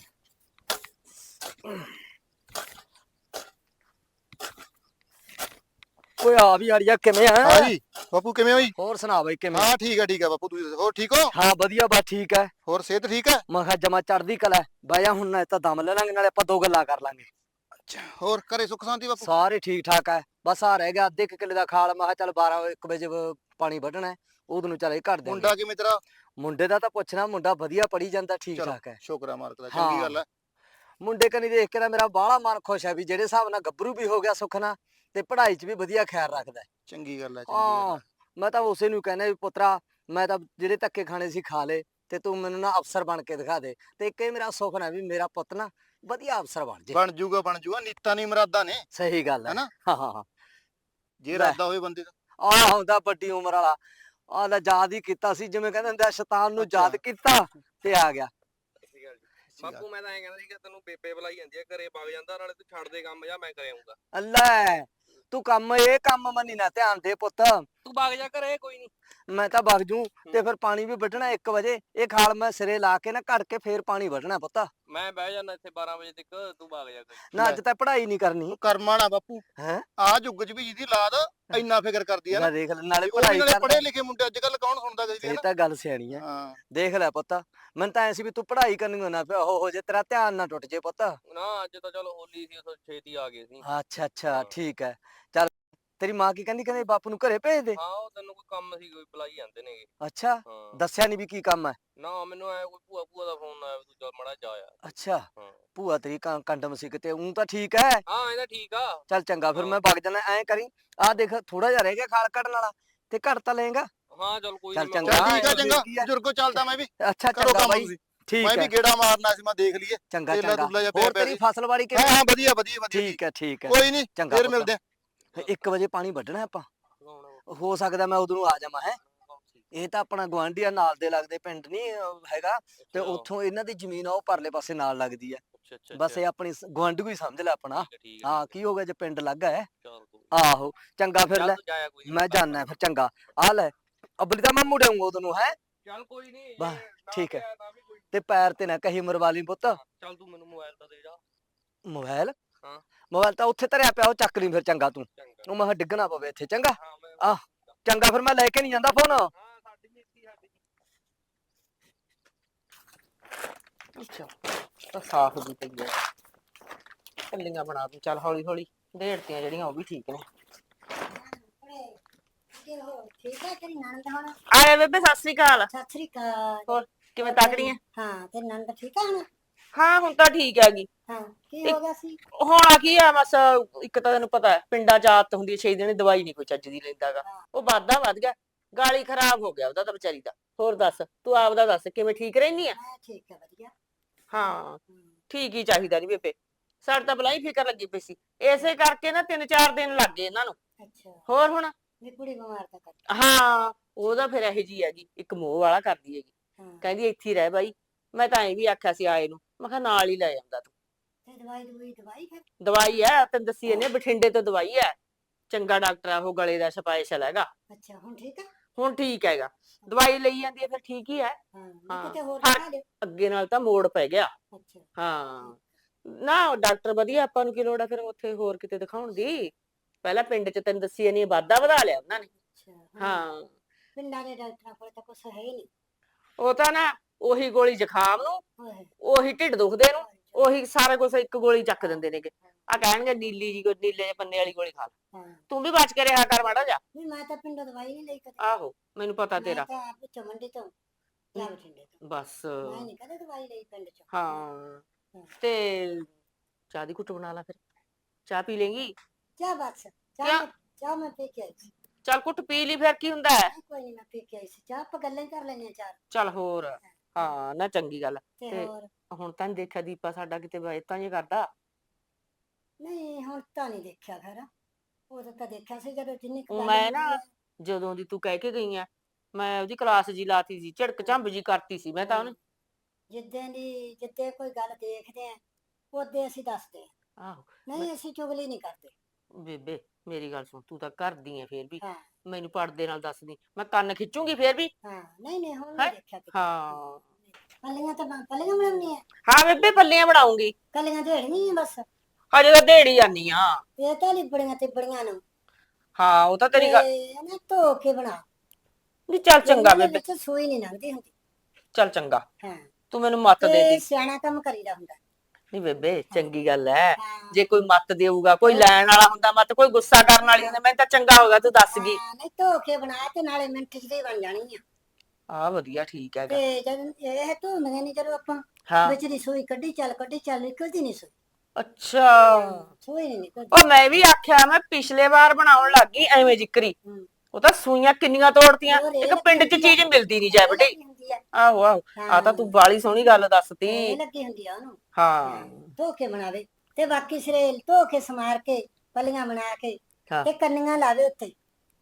S5: ਓਏ ਆ ਵੀ ਆੜੀਆ ਕਿਵੇਂ ਆ?
S6: ਹਾਂ ਜੀ ਬਾਪੂ ਕਿਵੇਂ ਹੋਈ?
S5: ਹੋਰ ਸੁਣਾ ਬਈ ਕਿਵੇਂ?
S6: ਹਾਂ ਠੀਕ ਹੈ ਠੀਕ ਹੈ ਬਾਪੂ, ਤੁਸੀਂ ਦੱਸੋ ਹੋਰ ਠੀਕ ਹੋ?
S5: ਹਾਂ ਵਧੀਆ ਬਸ ਠੀਕ ਹੈ।
S6: ਹੋਰ ਸਿਹਤ ਠੀਕ ਹੈ?
S5: ਮੈਂ ਕਿਹਾ ਜਮਾ ਚੜਦੀ ਕਲਾ ਹੈ। ਬਹਿ ਜਾ ਹੁਣ, ਨਾ ਤਾਂ ਦਮ ਲੈ ਲਾਂਗੇ ਨਾਲੇ ਆਪਾਂ ਦੋ ਗੱਲਾਂ ਕਰ ਲਾਂਗੇ।
S6: ਅੱਛਾ ਹੋਰ ਘਰੇ ਸੁੱਖ ਸ਼ਾਂਤੀ ਬਾਪੂ?
S5: ਸਾਰੇ ਠੀਕ ਠਾਕ ਹੈ। ਬਸ ਆ ਰਹਿ ਗਿਆ ਅੱਧੇ ਕੁ ਕਿੱਲੇ ਦਾ ਖਾਲ। ਮੈਂ ਕਿਹਾ ਚੱਲ ਬਾਰਾਂ ਇੱਕ ਵਜੇ ਪਾਣੀ ਵੱਢਣਾ ਹੈ, ਉਦੋਂ ਨੂੰ ਚੱਲ ਇਹ ਘੜ ਦੇ।
S6: ਮੁੰਡਾ ਕਿਵੇਂ ਤੇਰਾ?
S5: ਮੁੰਡੇ ਦਾ ਤਾਂ ਪੁੱਛਣਾ, ਮੁੰਡਾ ਵਧੀਆ ਪੜੀ ਜਾਂਦਾ, ਠੀਕ
S6: ਚਲੋ
S5: ਠਾਕ ਹੈ।
S6: ਸ਼ੁਕਰ ਹੈ ਮਾਲਕ ਦਾ,
S5: ਹਾਂ।
S6: ਚੰਗੀ ਗੱਲ ਹੈ।
S5: ਮੁੰਡੇ ਕਨੀ ਦੇਖ ਕੇ ਨਾ ਮੇਰਾ ਬਾਹਲਾ ਮਨ ਖੁਸ਼ ਹੈ ਵੀ ਜਿਹੜੇ ਹਿਸਾਬ ਨਾਲ ਗੱਭਰੂ ਵੀ ਹੋ ਗਿਆ ਸੁੱਖ ਨਾਲ, ਤੇ ਪੜ੍ਹਾਈ 'ਚ ਵੀ ਵਧੀਆ ਖਿਆਲ ਰੱਖਦਾ ਹੈ।
S6: ਚੰਗੀ ਗੱਲ ਹੈ, ਚੰਗੀ ਗੱਲ
S5: ਹਾਂ
S6: ਹੈ।
S5: ਮੈਂ ਤਾਂ ਉਸੇ ਨੂੰ ਕਹਿੰਦਾ ਵੀ ਪੁੱਤਰਾ, ਮੈਂ ਤਾਂ ਜਿਹੜੇ ਧੱਕੇ ਖਾਣੇ ਸੀ ਖਾ ਲੇ, ਤੇ ਤੂੰ ਮੈਨੂੰ ਨਾ ਅਫਸਰ ਬਣ ਕੇ ਦਿਖਾ ਦੇ। ਤੇ ਇੱਕ ਇਹ ਮੇਰਾ ਸੁਪਨਾ ਵੀ ਮੇਰਾ ਪੁੱਤ ਨਾ ਵਧੀਆ ਅਫਸਰ ਬਣ ਜੇ।
S6: ਬਣ ਜੂਗਾ ਬਣ ਜੂਗਾ, ਨੀਤਾਂ ਨਹੀਂ ਮੁਰਾਦਾਂ ਨੇ।
S5: ਸਹੀ ਗੱਲ ਹੈ
S6: ਹੈਨਾ?
S5: ਹਾਂ ਹਾਂ ਹਾਂ।
S6: ਜੇ
S5: ਲੈ।
S6: ਇਰਾਦਾ ਹੋਵੇ ਬੰਦੇ ਦਾ।
S5: ਆਹ ਹੁੰਦਾ ਵੱਡੀ ਉਮਰ ਵਾਲਾ, ਆਹ ਲੈ ਯਾਦ ਹੀ ਕੀਤਾ ਸੀ, ਜਿਵੇਂ ਕਹਿੰਦੇ ਹੁੰਦੇ ਆ ਸ਼ੈਤਾਨ ਨੂੰ ਯਾਦ ਕੀਤਾ ਤੇ ਆ ਗਿਆ।
S1: ਬਾਪੂ ਮੈਂ ਤਾਂ ਐਂ ਕਹਿੰਦਾ ਸੀ ਕਿ ਤੈਨੂੰ ਬੇਬੇ ਬੁਲਾਈ ਜਾਂਦੀ ਆ, ਘਰੇ ਵਗ ਜਾਂਦਾ, ਨਾਲੇ ਤੂੰ ਛੱਡ ਦੇ ਕੰਮ, ਜਾਂ ਮੈਂ ਕਰ ਆਉਂਗਾ।
S5: ਅੱਲਾ ਤੂੰ ਕੰਮ ਇਹ ਕੰਮ ਮੰਨੀ ਨਾ, ਧਿਆਨ ਦੇ ਪੁੱਤ।
S1: ਤੂੰ ਵਗ ਜਾ ਘਰੇ, ਕੋਈ ਨਹੀਂ।
S5: ਮੈਂ ਤਾਂ ਵਗ ਜੂ, ਤੇ ਫਿਰ ਪਾਣੀ ਵੀ ਵੱਢਣਾ ਇੱਕ ਵਜੇ। ਇਹ ਖਾਲ ਮੈਂ ਸਿਰੇ ਲਾ ਕੇ ਨਾ ਘੜ ਕੇ ਫੇਰ ਪਾਣੀ ਵੱਢਣਾ ਪੁੱਤ।
S1: ਮੈਂ ਬਹਿ ਜਾਣਾ ਇੱਥੇ ਬਾਰਾਂ ਵਜੇ ਤੱਕ, ਤੂੰ ਵਗ ਜਾ ਘਰੇ।
S5: ਨਾ ਅੱਜ ਤਾਂ ਪੜ੍ਹਾਈ ਨਹੀਂ ਕਰਨੀ
S6: ਤੂੰ ਕਰਮਾਂ ਨਾ ਬਾਪੂ,
S5: ਹੈ।
S6: ਆ ਯੁੱਗ 'ਚ ਵੀ ਜਿਹਦੀ ਲਾਦ ਇੰਨਾ ਫਿਕਰ ਕਰਦੀ ਹੈ ਨਾ।
S5: ਦੇਖ ਲੈ, ਨਾਲੇ
S6: ਉਹ ਵੀ
S5: ਪੜ੍ਹਾਈ
S6: ਨਾਲੇ
S5: ਕਰ।
S6: ਪੜ੍ਹੇ ਲਿਖੇ ਮੁੰਡੇ ਅੱਜ ਕੱਲ ਕੌਣ ਸੁਣਦਾ ਕਿਸੇ ਦੀ,
S5: ਇਹ
S6: ਹੈ ਨਾ?
S5: ਤਾਂ ਗੱਲ ਸਿਆਣੀ ਹੈ।
S6: ਹਾਂ
S5: ਦੇਖ ਲੈ ਪੁੱਤ, ਮੈਨੂੰ ਤਾਂ ਐ ਸੀ ਵੀ ਤੂੰ ਪੜ੍ਹਾਈ ਕਰਨੀ ਨਾ ਪਿਆ ਹੋ ਜੇ, ਤੇਰਾ ਧਿਆਨ ਨਾ ਟੁੱਟ ਜੇ ਪੁੱਤ।
S1: ਨਾ ਅੱਜ ਤਾਂ ਚਲੋ ਹੋਲੀ ਸੀ, ਉਥੋਂ ਛੇਤੀ ਆ ਗਏ ਸੀ।
S5: ਅੱਛਾ ਅੱਛਾ ਠੀਕ ਹੈ। ਚੱਲ ਤੇਰੀ ਮਾਂ ਕੀ ਕਹਿੰਦੀ ਕਹਿੰਦੇ ਬਾਪੂ ਨੂੰ ਘਰੇ ਭੇਜ ਦੇ?
S1: ਹਾਂ ਉਹ ਤੈਨੂੰ ਕੋਈ ਕੰਮ ਸੀ ਕੋਈ ਬੁਲਾਈ ਜਾਂਦੇ ਨੇਗੇ।
S5: ਅੱਛਾ
S1: ਹਾਂ
S5: ਦੱਸਿਆ ਨਹੀਂ ਵੀ ਕੀ ਕੰਮ ਹੈ?
S1: ਨਾ ਮੈਨੂੰ ਐ ਕੋਈ ਭੂਆ ਭੂਆ ਦਾ ਫੋਨ ਆਇਆ ਵੀ ਤੂੰ ਚੱਲ ਮੜਾ ਜਾ ਆ।
S5: ਅੱਛਾ
S1: ਹਾਂ
S5: ਭੂਆ ਤੇਰੀ ਕਾਂ- ਕੰਡਮ ਸੀ ਕਿਤੇ, ਉਂ ਤਾਂ ਠੀਕ ਹੈ।
S1: ਹਾਂ ਇਹਦਾ ਠੀਕ ਆ।
S5: ਚੱਲ ਚੰਗਾ ਫਿਰ
S1: ਹਾਂ।
S5: ਮੈਂ ਵਗ ਜਾਣਾ। ਐਂ ਕਰੀ ਆਹ ਦੇਖ ਥੋੜਾ ਜਿਹਾ ਰਹਿ ਗਿਆ ਖਾਲ ਕੱਢਣ ਵਾਲਾ, ਤੇ ਘੜ ਤਾਂ ਲਏਗਾ।
S1: ਹਾਂ ਚੱਲ ਕੋਈ
S5: ਚੱਲ
S1: ਨੀ
S5: ਚੰਗਾ।
S6: ਚੱਲ ਠੀਕ ਆ
S5: ਹਾਂ,
S6: ਚੰਗਾ
S5: ਕੀ ਆ?
S6: ਬਜ਼ੁਰਗੋ, ਚੱਲਦਾ ਮੈਂ ਵੀ।
S5: ਅੱਛਾ
S6: ਕਰੋ
S5: ਚੰਗਾ
S6: ਕੰਮ
S5: ਬਾਈ
S6: ਤੁਸੀਂ।
S5: ਠੀਕ
S6: ਮੈਂ
S5: ਹੈ।
S6: ਵੀ ਗੇੜਾ ਮਾਰਨਾ ਸੀ, ਮੈਂ ਦੇਖ ਲਈਏ
S5: ਚੰਗਾ
S6: ਤੇਲਾ
S5: ਚੰਗਾ।
S6: ਤੁਲਾ ਜਿਹਾ ਪਿਆ
S5: ਹੋਰ
S6: ਪਿਆ
S5: ਤੇਰੀ
S6: ਸੀ।
S5: ਫਸਲਵਾੜੀ
S6: ਹਾਂ
S5: ਕਿਵੇਂ?
S6: ਹਾਂ ਵਧੀਆ ਵਧੀਆ ਵਧੀਆ ਜੀ।
S5: ਠੀਕ ਹੈ ਠੀਕ ਹੈ।
S6: ਕੋਈ ਨਹੀਂ
S5: ਚੰਗਾ
S6: ਫੇਰ
S5: ਪੁੱਤ।
S6: ਮਿਲਦੇ ਆ।
S5: ਇੱਕ ਵਜੇ ਪਾਣੀ ਵੱਢਣਾ ਆਪਾਂ, ਹੋ ਸਕਦਾ ਮੈਂ ਉਦੋਂ ਆ ਜਾਵਾਂ ਹੈ। ਇਹ ਤਾਂ ਆਪਣਾ ਗੁਆਂਢੀ ਆ, ਨਾਲ ਦੇ ਲੱਗਦੇ ਪਿੰਡ ਨਹੀਂ ਹੈਗਾ, ਤੇ
S1: ਅੱਛਾ।
S5: ਉੱਥੋਂ ਇਹਨਾਂ ਦੀ ਜ਼ਮੀਨ ਆ ਉਹ ਪਰਲੇ ਪਾਸੇ ਨਾਲ ਲੱਗਦੀ ਹੈ।
S1: ਅੱਛਾ ਅੱਛਾ
S5: ਬਸ ਇਹ ਆਪਣੀ ਗੁਆਂਢੀ ਹੀ ਸਮਝ ਲੈ ਆਪਣਾ।
S1: ਠੀਕ ਹੈ, ਠੀਕ ਹੈ,
S5: ਹਾਂ
S1: ਠੀਕ
S5: ਕੀ ਹੋ ਗਿਆ ਜੇ ਪਿੰਡ ਲੱਗਾ ਹੈ।
S1: ਹੈ। ਚੱਲ ਕੋਈ
S5: ਆਹੋ ਚੰਗਾ ਫਿਰ
S1: ਚੱਲ
S5: ਲੈ
S1: ਤੂੰ ਜਾਇਆ ਕੋਈ ਨੀ,
S5: ਮੈਂ ਜਾਣਾ ਫਿਰ। ਚੰਗਾ ਆ ਲੈ ਅਬਲੀ ਤਾਂ ਮੈਂ ਮੁੜ ਆਊਂਗਾ ਉਦੋਂ ਹੈ।
S1: ਚੱਲ ਕੋਈ ਨਹੀਂ
S5: ਬਸ, ਠੀਕ ਹੈ। ਤੇ ਪੈਰ ਤੇ ਨਾ ਕਹੀ ਮਰਵਾ ਲਈ ਪੁੱਤ।
S1: ਚੱਲ ਤੂੰ ਮੈਨੂੰ ਮੋਬਾਈਲ ਤਾਂ ਦੇ ਜਾ।
S5: ਮੋਬਾਈਲ?
S1: ਹਾਂ।
S5: ਮੋਬਾਈਲ ਤਾਂ ਉੱਥੇ ਧਰਿਆ ਪਿਆ, ਉਹ ਚੱਕ ਲਈ ਫਿਰ ਚੰਗਾ ਤੂੰ।
S1: ਚੰਗਾ
S5: ਉਹ ਮੈਂ ਕਿਹਾ ਡਿੱਗਣਾ ਪਵੇ ਇੱਥੇ। ਚੰਗਾ
S1: ਹਾਂ ਮੈਂ
S5: ਆ ਚੰਗਾ ਫਿਰ ਮੈਂ ਲੈ ਕੇ ਨਹੀਂ ਜਾਂਦਾ ਫੋਨ।
S1: ਹਾਂ ਸਾਡੀ ਵੀ ਇੱਥੇ ਸਾਡੀ
S3: ਅੱਛਾ ਤਾਂ ਸਾਫ਼ ਦੀ ਪਈ ਹੈ, ਕੱਲੀਆਂ ਬਣਾ ਦੂੰ। ਚੱਲ ਹੌਲੀ ਹੌਲੀ ਢੇੜਤੀਆਂ ਜਿਹੜੀਆਂ ਉਹ ਵੀ ਠੀਕ ਨੇ।
S4: ਠੀਕ ਹੈ ਤੇਰੀ ਨਣਦ ਹੁਣ?
S3: ਆ ਲੈ ਬੇਬੇ ਸਤਿ ਸ੍ਰੀ ਅਕਾਲ।
S4: ਸਤਿ ਸ੍ਰੀ ਅਕਾਲ।
S3: ਹੋਰ ਕਿਵੇਂ ਤਕੜੀ ਹੈ?
S4: ਹਾਂ ਤੇਰੀ ਨਣਦ ਠੀਕ ਆ ਹੁਣ?
S3: ਹਾਂ ਹੁਣ ਤਾਂ ਠੀਕ ਹੈਗੀ।
S4: ਹਾਂ ਕੀ ਹੋ ਗਿਆ ਸੀ?
S3: ਹੋਣਾ ਕੀ ਆ ਬਸ, ਇੱਕ ਤਾਂ ਤੈਨੂੰ ਪਤਾ ਹੈ ਪਿੰਡਾਂ ਚ ਆਦਤ ਹੁੰਦੀ ਹੈ ਛੇ ਦਿਨ ਦਵਾਈ ਨਹੀਂ ਕੋਈ ਚੱਜ ਦੀ ਲੈਂਦਾਗਾ। ਉਹ ਵਾਧਾ ਵੱਧ ਗਿਆ, ਗਾਲੀ ਖਰਾਬ ਹੋ ਗਿਆ ਉਹਦਾ ਤਾਂ ਵਿਚਾਰੀ ਦਾ। ਹੋਰ ਦੱਸ ਤੂੰ ਆਪਦਾ ਦੱਸ ਕਿਵੇਂ ਠੀਕ ਰਹਿਨੀ ਆ?
S4: ਮੈਂ ਠੀਕ ਹੈ ਵਧੀਆ।
S3: ਹਾਂ
S4: ਹਮ,
S3: ਠੀਕ ਹੀ ਚਾਹੀਦਾ ਨੀ ਬੇਬੇ, ਸਾਡੇ ਤਾਂ ਬਲਾਈ ਫਿਕਰ ਲੱਗੀ ਪਈ ਸੀ। ਇਸੇ ਕਰਕੇ ਨਾ ਤਿੰਨ ਚਾਰ ਦਿਨ ਲੱਗ ਗਏ ਇਹਨਾਂ ਨੂੰ।
S4: ਅੱਛਾ
S3: ਹੋਰ ਹੁਣ
S4: ਵੀ ਕੁੜੀ ਬਿਮਾਰ ਤਾਂ ਕਰ।
S3: ਹਾਂ ਉਹਦਾ ਫਿਰ ਇਹੋ ਜੀ ਹੈਗੀ, ਇੱਕ ਮੋਹ ਵਾਲਾ ਕਰਦੀ ਹੈਗੀ।
S4: ਹਾਂ
S3: ਕਹਿੰਦੀ ਇੱਥੇ ਹੀ ਰਹਿ ਬਾਈ। ਮੈਂ ਤਾਂ ਐਂ ਵੀ ਆਖਿਆ ਸੀ ਆਏ ਨੂੰ, ਮੈਂ ਕਿਹਾ ਨਾਲ ਹੀ ਲੈ ਜਾਂਦਾ ਤੂੰ।
S4: ਤੇ ਦਵਾਈ ਦਵਾਈ ਦਵਾਈ ਫਿਰ?
S3: ਦਵਾਈ ਹੈ ਤੈਨੂੰ ਦੱਸੀ ਇਹਨੇ, ਬਠਿੰਡੇ ਤੋਂ ਦਵਾਈ ਹੈ। ਚੰਗਾ ਡਾਕਟਰ ਆ ਉਹ, ਗਲੇ ਦਾ ਸਪੈਸ਼ਲ ਹੈਗਾ।
S4: ਅੱਛਾ ਹੁਣ ਠੀਕ ਆ?
S3: ਹੁਣ ਠੀਕ ਹੈਗਾ, ਦਵਾਈ ਲਈ ਜਾਂਦੀ ਹੈ ਫਿਰ ਠੀਕ ਹੀ ਹੈ।
S4: ਹਾਂ
S3: ਹਾਂ।
S4: ਮੈਂ ਕਿਤੇ ਹੋਰ
S3: ਹਾਂ।
S4: ਦਿਖਾ ਲਿਓ।
S3: ਅੱਗੇ ਨਾਲ ਤਾਂ ਮੋੜ ਪੈ ਗਿਆ।
S4: ਅੱਛਾ
S3: ਹਾਂ ਨਾ ਡਾਕਟਰ ਵਧੀਆ, ਆਪਾਂ ਨੂੰ ਕੀ ਲੋੜ ਆ ਫਿਰ ਉੱਥੇ ਹੋਰ ਕਿਤੇ ਦਿਖਾਉਣ ਦੀ। ਪਹਿਲਾਂ ਪਿੰਡ ਚ ਤੈਨੂੰ ਦੱਸੀ ਇਹਨੇ ਵਾਧਾ ਵਧਾ ਲਿਆ ਉਹਨਾਂ ਨੇ।
S4: ਅੱਛਾ
S3: ਹਾਂ
S4: ਪਿੰਡਾਂ ਦੇ ਡਾਕਟਰਾਂ ਕੋਲ ਤਾਂ ਕੁਛ ਹੈ ਹੀ ਨਹੀਂ।
S3: ਉਹ ਤਾਂ ਨਾ ਉਹੀ ਗੋਲੀ ਜ਼ੁਕਾਮ ਨੂੰ,
S4: ਹੋਏ
S3: ਉਹੀ ਢਿੱਡ ਦੁਖਦੇ ਨੂੰ, ਉਹੀ ਸਾਰਾ ਕੁਝ ਇੱਕ ਗੋਲੀ ਚੱਕ ਦਿੰਦੇ ਨੇਗੇ। ਆ ਕਹਿਣਗੇ ਨੀਲੀ ਜੀ, ਨੀਲੇ ਜਿਹੇ ਪੰਨੇ ਵਾਲੀ ਗੋਲੀ ਖਾ ਲੈ।
S4: ਹਾਂ
S3: ਤੂੰ ਵੀ ਬਚ ਕੇ ਰਿਹਾ ਕਰ ਮਾੜਾ ਜਾ।
S4: ਵੀ ਮੈਂ ਤਾਂ ਪਿੰਡੋਂ ਦਵਾਈ ਨਹੀਂ ਲਈ ਕਦੇ।
S3: ਆਹੋ ਮੈਨੂੰ ਪਤਾ
S4: ਮੈਂ
S3: ਤੇਰਾ।
S4: ਤਾਂ ਆਪ ਚਮੰਡੀ ਤੋਂ ਜਾਂ ਬਠਿੰਡੇ ਤੋਂ।
S3: ਬਸ
S4: ਮੈਂ ਨਹੀਂ ਕਦੇ ਦਵਾਈ ਲਈ ਪਿੰਡ ਚ।
S3: ਹਾਂ
S4: ਹਾਂ।
S3: ਤੇ ਚਾਹ ਦੀ ਘੁੱਟ ਬਣਾ ਲਾ ਫਿਰ, ਚਾਹ ਪੀ ਲੇਂਗੀ?
S4: ਚਾਹ ਬਸ ਚਾਹ
S3: ਕਿਆ?
S4: ਮੈਂ- ਚਾਹ ਮੈਂ ਪੀ ਕੇ ਆਈ ਸੀ।
S3: ਚੱਲ ਘੁੱਟ ਪੀ ਲਈ ਫਿਰ ਕੀ ਹੁੰਦਾ ਹੈ।
S4: ਨਹੀਂ, ਕੋਈ ਨਹੀਂ ਮੈਂ ਪੀ ਕੇ ਆਈ ਸੀ ਚਾਹ। ਆਪਾਂ ਗੱਲਾਂ ਹੀ ਕਰ ਲੈਂਦੇ ਹਾਂ ਚਾਰ।
S3: ਚੱਲ ਹੋਰ ਹਾਂ ਨਾ ਚੰਗੀ ਗੱਲ।
S4: ਤੇ
S3: ਤੇ
S4: ਹੋਰ
S3: ਹੁਣ ਤਾਂ ਨੀ ਦੇਖਿਆ ਦੀਪਾ ਸਾਡਾ ਕਿਤੇ ਬਾਇਤਾਂ ਜੇ ਕਰਦਾ।
S4: ਨਹੀਂ ਹੁਣ ਤਾਂ ਨਹੀਂ ਦੇਖਿਆ ਫਿਰ। ਉਦੋਂ ਤਾਂ ਦੇਖਿਆ ਸੀ ਜਦੋਂ ਜਿੰਨੀ ਕੁ
S3: ਉਹ
S4: ਗੱਲ
S3: ਮੈਂ
S4: ਹੁੰਦੀ
S3: ਨਾ
S4: ਹੈ।
S3: ਜਦੋਂ ਦੀ ਤੂੰ ਕਹਿ ਕੇ ਗਈ ਆ, ਮੈਂ ਉਹਦੀ ਕਲਾਸ ਜੀ ਲਾਤੀ ਸੀ, ਝਿੜਕ ਝੰਬ ਜੀ ਕਰਤੀ ਸੀ ਮੈਂ ਤਾਂ ਉਹਨੂੰ।
S4: ਜਿੱਦਾਂ ਦੀ ਜਿੱਦੇ ਕੋਈ ਗੱਲ ਦੇਖਦੇ ਆ ਉਹਦੇ ਅਸੀਂ ਦੱਸਦੇ ਆ।
S3: ਆਹੋ
S4: ਨਹੀਂ ਅਸੀਂ ਚੁਗਲੀ ਨਹੀਂ ਕਰਦੇ।
S3: ਬੇਬੇ ਮੇਰੀ ਗੱਲ ਸੁਣ, ਤੂੰ ਤਾਂ ਕਰਦੀ ਐ ਫੇਰ ਵੀ,
S4: ਹਾਂ
S3: ਮੈਨੂੰ ਪੜਦੇ ਨਾਲ ਦੱਸਦੀ, ਮੈਂ ਕੰਨ ਖਿੱਚੂਗੀ ਫੇਰ ਵੀ।
S4: ਹਾਂ ਨਹੀਂ ਨਹੀਂ ਹੁਣ
S3: ਹੈਂ?
S4: ਨਹੀਂ ਦੇਖਿਆ ਕਿਤੇ।
S3: ਹਾਂ
S4: ਪੱਲੀਆਂ ਤਾਂ ਬਣ- ਪੱਲੀਆਂ ਬਣਾਉਣੀ ਆ?
S3: ਹਾਂ ਬੇਬੇ ਪੱਲੀਆਂ ਬਣਾਉਂਗੀ।
S4: ਕੱਲੀਆਂ ਦੇੜੀਆਂ ਬਸ।
S3: ਹਜੇ ਤਾਂ ਦੇੜੀ ਜਾਨੀ ਆ।
S4: ਇਹ ਤਾਂ ਲਿਬੜੀਆਂ ਤੇ ਬੜੀਆਂ ਨੂੰ
S3: ਹਾਂ ਉਹ ਤਾਂ ਤੇਰੀ ਗੱਲ
S4: ਤੇ ਨਾ ਧੋ ਕੇ ਬਣਾ।
S3: ਨਹੀਂ। ਚੱਲ ਚੰਗਾ
S4: ਇਹਨਾਂ ਦੇ
S3: ਬੇਬੇ,
S4: ਵਿੱਚ ਸੂਈ ਨਹੀਂ ਲੰਘਦੀ ਹੁੰਦੀ।
S3: ਚੱਲ ਚੰਗਾ,
S4: ਹਾਂ
S3: ਤੂੰ ਮੈਨੂੰ ਮੱਤ ਦੇ
S4: ਤੇ
S3: ਦੇ।
S4: ਸਿਆਣਾ ਕੰਮ ਕਰੀਦਾ ਹੁੰਦਾ।
S3: ਨਹੀਂ ਬੇਬੇ ਚੰਗੀ ਗੱਲ ਐ,
S4: ਹਾਂ
S3: ਜੇ ਕੋਈ ਮੱਤ ਦੇਊਗਾ, ਕੋਈ ਲੈਣ ਵਾਲਾ ਹੁੰਦਾ ਮੱਤ, ਕੋਈ ਗੁੱਸਾ ਕਰਨ ਵਾਲੀ ਹੁੰਦਾ, ਮੈਨੂੰ ਤਾਂ ਚੰਗਾ ਹੋਗਾ ਤੂੰ ਦੱਸ ਗਈ।
S4: ਹਾਂ, ਨਹੀਂ ਧੋ ਕੇ ਬਣਾ ਤੇ ਨਾਲੇ ਮਿੰਟ ਚ ਦੀ ਬਣ ਜਾਣੀ ਆ।
S3: ਆ ਵਧੀਆ ਠੀਕ ਹੈਗਾ।
S4: ਤੇ ਜਦ ਇਹ ਧੋਂਦੀਆਂ ਨਹੀਂ ਜਦੋਂ ਆਪਾਂ
S3: ਹਾਂ
S4: ਵਿੱਚ ਦੀ ਸੂਈ ਕੱਢੀ ਚੱਲ ਕੱਢੀ ਚੱਲ ਨਿਕਲਦੀ ਨਹੀਂ ਸੂਈ।
S3: ਅੱਛਾ
S4: ਸੂਈ ਨਹੀਂ ਨਿਕਲਦੀ।
S3: ਉਹ ਮੈਂ ਵੀ ਆਖਿਆ, ਮੈਂ ਪਿਛਲੇ ਵਾਰ ਬਣਾਉਣ ਲੱਗੀ ਐਵੇਂ ਜਿਕਰੀ,
S4: ਹੂੰ।
S3: ਉਹ ਤਾਂ ਸੂਈਆਂ ਕਿੰਨੀਆਂ ਤੋੜਤੀਆਂ,
S4: ਹੋਰ ਇਹ
S3: ਇੱਕ ਪਿੰਡ 'ਚ
S4: ਲੱਗੀ
S3: ਚੀਜ਼ ਮਿਲਦੀ ਨਹੀਂ ਜੈ ਬਟੇ।
S4: ਲੱਗੀ ਹੁੰਦੀ ਆ।
S3: ਆਹੋ ਆਹੋ ਆ ਤਾਂ ਤੂੰ ਬਾਲੀ ਸੋਹਣੀ ਗੱਲ ਦੱਸਤੀ।
S4: ਇਹ ਲੱਗੀ ਹੁੰਦੀ ਆ ਉਹਨੂੰ।
S3: ਹਾਂ
S4: ਧੋ ਕੇ ਬਣਾਵੇ ਤੇ ਬਾਕੀ ਸਿਰੇ ਧੋ ਕੇ ਸਮਾਰ ਕੇ ਪੱਲੀਆਂ ਬਣਾ ਕੇ
S3: ਹਾਂ
S4: ਤੇ ਕੰਨੀਆਂ ਲਾਵੇ ਉੱਤੇ।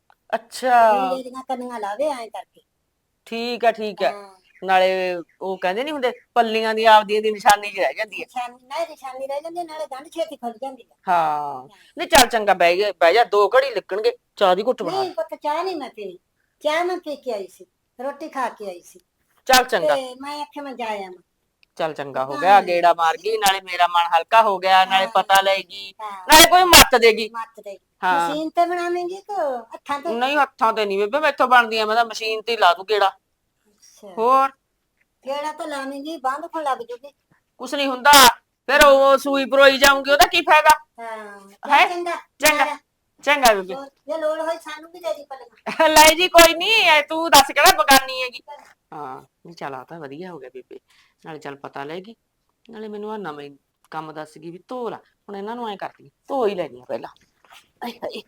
S3: ਅੱਛਾ
S4: ਲੀੜੇ ਦੀਆਂ ਕੰਨੀਆਂ ਲਾਵੇ ਐਂ ਕਰਕੇ।
S3: ਠੀਕ ਆ ਠੀਕ ਆ।
S4: ਹਾਂ
S3: ਨਾਲੇ ਉਹ ਕਹਿੰਦੇ ਨਹੀਂ ਹੁੰਦੇ ਪੱਲੀਆਂ ਦੀ ਆਪਦੀ ਦੀ ਨਿਸ਼ਾਨੀ ਜਿਹੀ ਰਹਿ ਜਾਂਦੀ ਹੈ।
S4: ਨਿਸ਼ਾਨੀ ਨਾ ਨਿਸ਼ਾਨੀ ਰਹਿ ਜਾਂਦੀ ਨਾਲੇ ਗੰਢ ਛੇਤੀ ਖੁੱਲ ਜਾਂਦੀ ਆ।
S3: ਹਾਂ ਨਹੀਂ ਚੱਲ ਚੰਗਾ ਬਹਿ ਗਿਆ, ਬਹਿ ਜਾ, ਦੋ ਘੜੀ ਲੱਗਣਗੇ, ਚਾਹ ਦੀ ਘੁੱਟ ਬਣਾ।
S4: ਨਹੀਂ ਪੁੱਤ ਚਾਹ ਨਹੀਂ ਮੈਂ ਪੀਣੀ। ਚਾਹ ਮੈਂ ਪੀ ਕੇ ਆਈ ਸੀ, ਰੋਟੀ ਖਾ ਕੇ ਆਈ ਸੀ
S3: ਚੱਲ ਚੰਗਾ,
S4: ਤੇ ਮੈਂ ਆਖਿਆ ਮੈਂ ਜਾਇਆ ਮੈਂ।
S3: ਚੱਲ ਚੰਗਾ ਹੋ ਗਿਆ, ਗੇੜਾ ਮਾਰ ਗਈ, ਨਾਲੇ ਮੇਰਾ ਮਨ ਹਲਕਾ ਹੋ ਗਿਆ, ਨਾਲੇ ਪਤਾ ਲੈਗੀ,
S4: ਹਾਂ
S3: ਨਾਲੇ ਕੋਈ ਮੱਤ ਦੇਗੀ।
S4: ਮੱਤ ਦੇ
S3: ਹਾਂ
S4: ਮਸ਼ੀਨ ਤੇ ਬਣਾਵੇਂਗੀ ਕਿ ਹੱਥਾਂ ਤੇ?
S3: ਨਹੀਂ ਹੱਥਾਂ ਤੇ ਨਹੀਂ ਬੇਬੇ ਮੈਥੋਂ ਬਣਦੀਆਂ, ਮੈਂ ਤਾਂ ਮਸ਼ੀਨ ਤੇ ਹੀ ਲਾ ਦੂ ਗੇੜਾ।
S4: ਅੱਛਾ
S3: ਹੋਰ
S4: ਕਿਹੜਾ ਤਾਂ ਲਾਵੇਂਗੀ ਬੰਦ ਖੋਲ ਲੱਗ ਜੂਗੀ।
S3: ਕੁਛ ਨਹੀਂ ਹੁੰਦਾ, ਫਿਰ ਉਹ ਸੂਈ ਪਰੋਈ ਜਾਊਂਗੀ, ਉਹਦਾ ਕੀ ਫਾਇਦਾ।
S4: ਹਾਂ
S3: ਹੈਂ?
S4: ਚੱਲ ਚੰਗਾ
S3: ਚੰਗਾ।
S4: ਜਾ,
S3: ਚੰਗਾ ਬੇਬੇ
S4: ਜੇ ਲੋੜ ਹੋਈ ਸਾਨੂੰ ਵੀ ਦੇ ਦੀ ਪੱਲੇ
S3: ਲੈ ਜੀ ਕੋਈ ਨਹੀਂ ਤੂੰ ਦੱਸ ਕਿਹੜਾ ਬਗਾਨੀ ਹੈਗੀ ਹਾਂ ਨਹੀਂ ਚੱਲ ਆ ਤਾਂ ਵਧੀਆ ਹੋ ਗਿਆ ਬੇਬੇ ਨਾਲੇ ਚੱਲ ਪਤਾ ਲੈਗੀ ਨਾਲੇ ਮੈਨੂੰ ਆ ਨਵੇਂ ਕੰਮ ਦੱਸ ਗਈ ਵੀ ਧੋ ਲਾ ਹੁਣ ਇਹਨਾਂ ਨੂੰ ਐ ਕਰਦੀ ਧੋ ਹੀ ਲੈਣੀ ਆ ਪਹਿਲਾਂ ਆਏ ਹਾਏ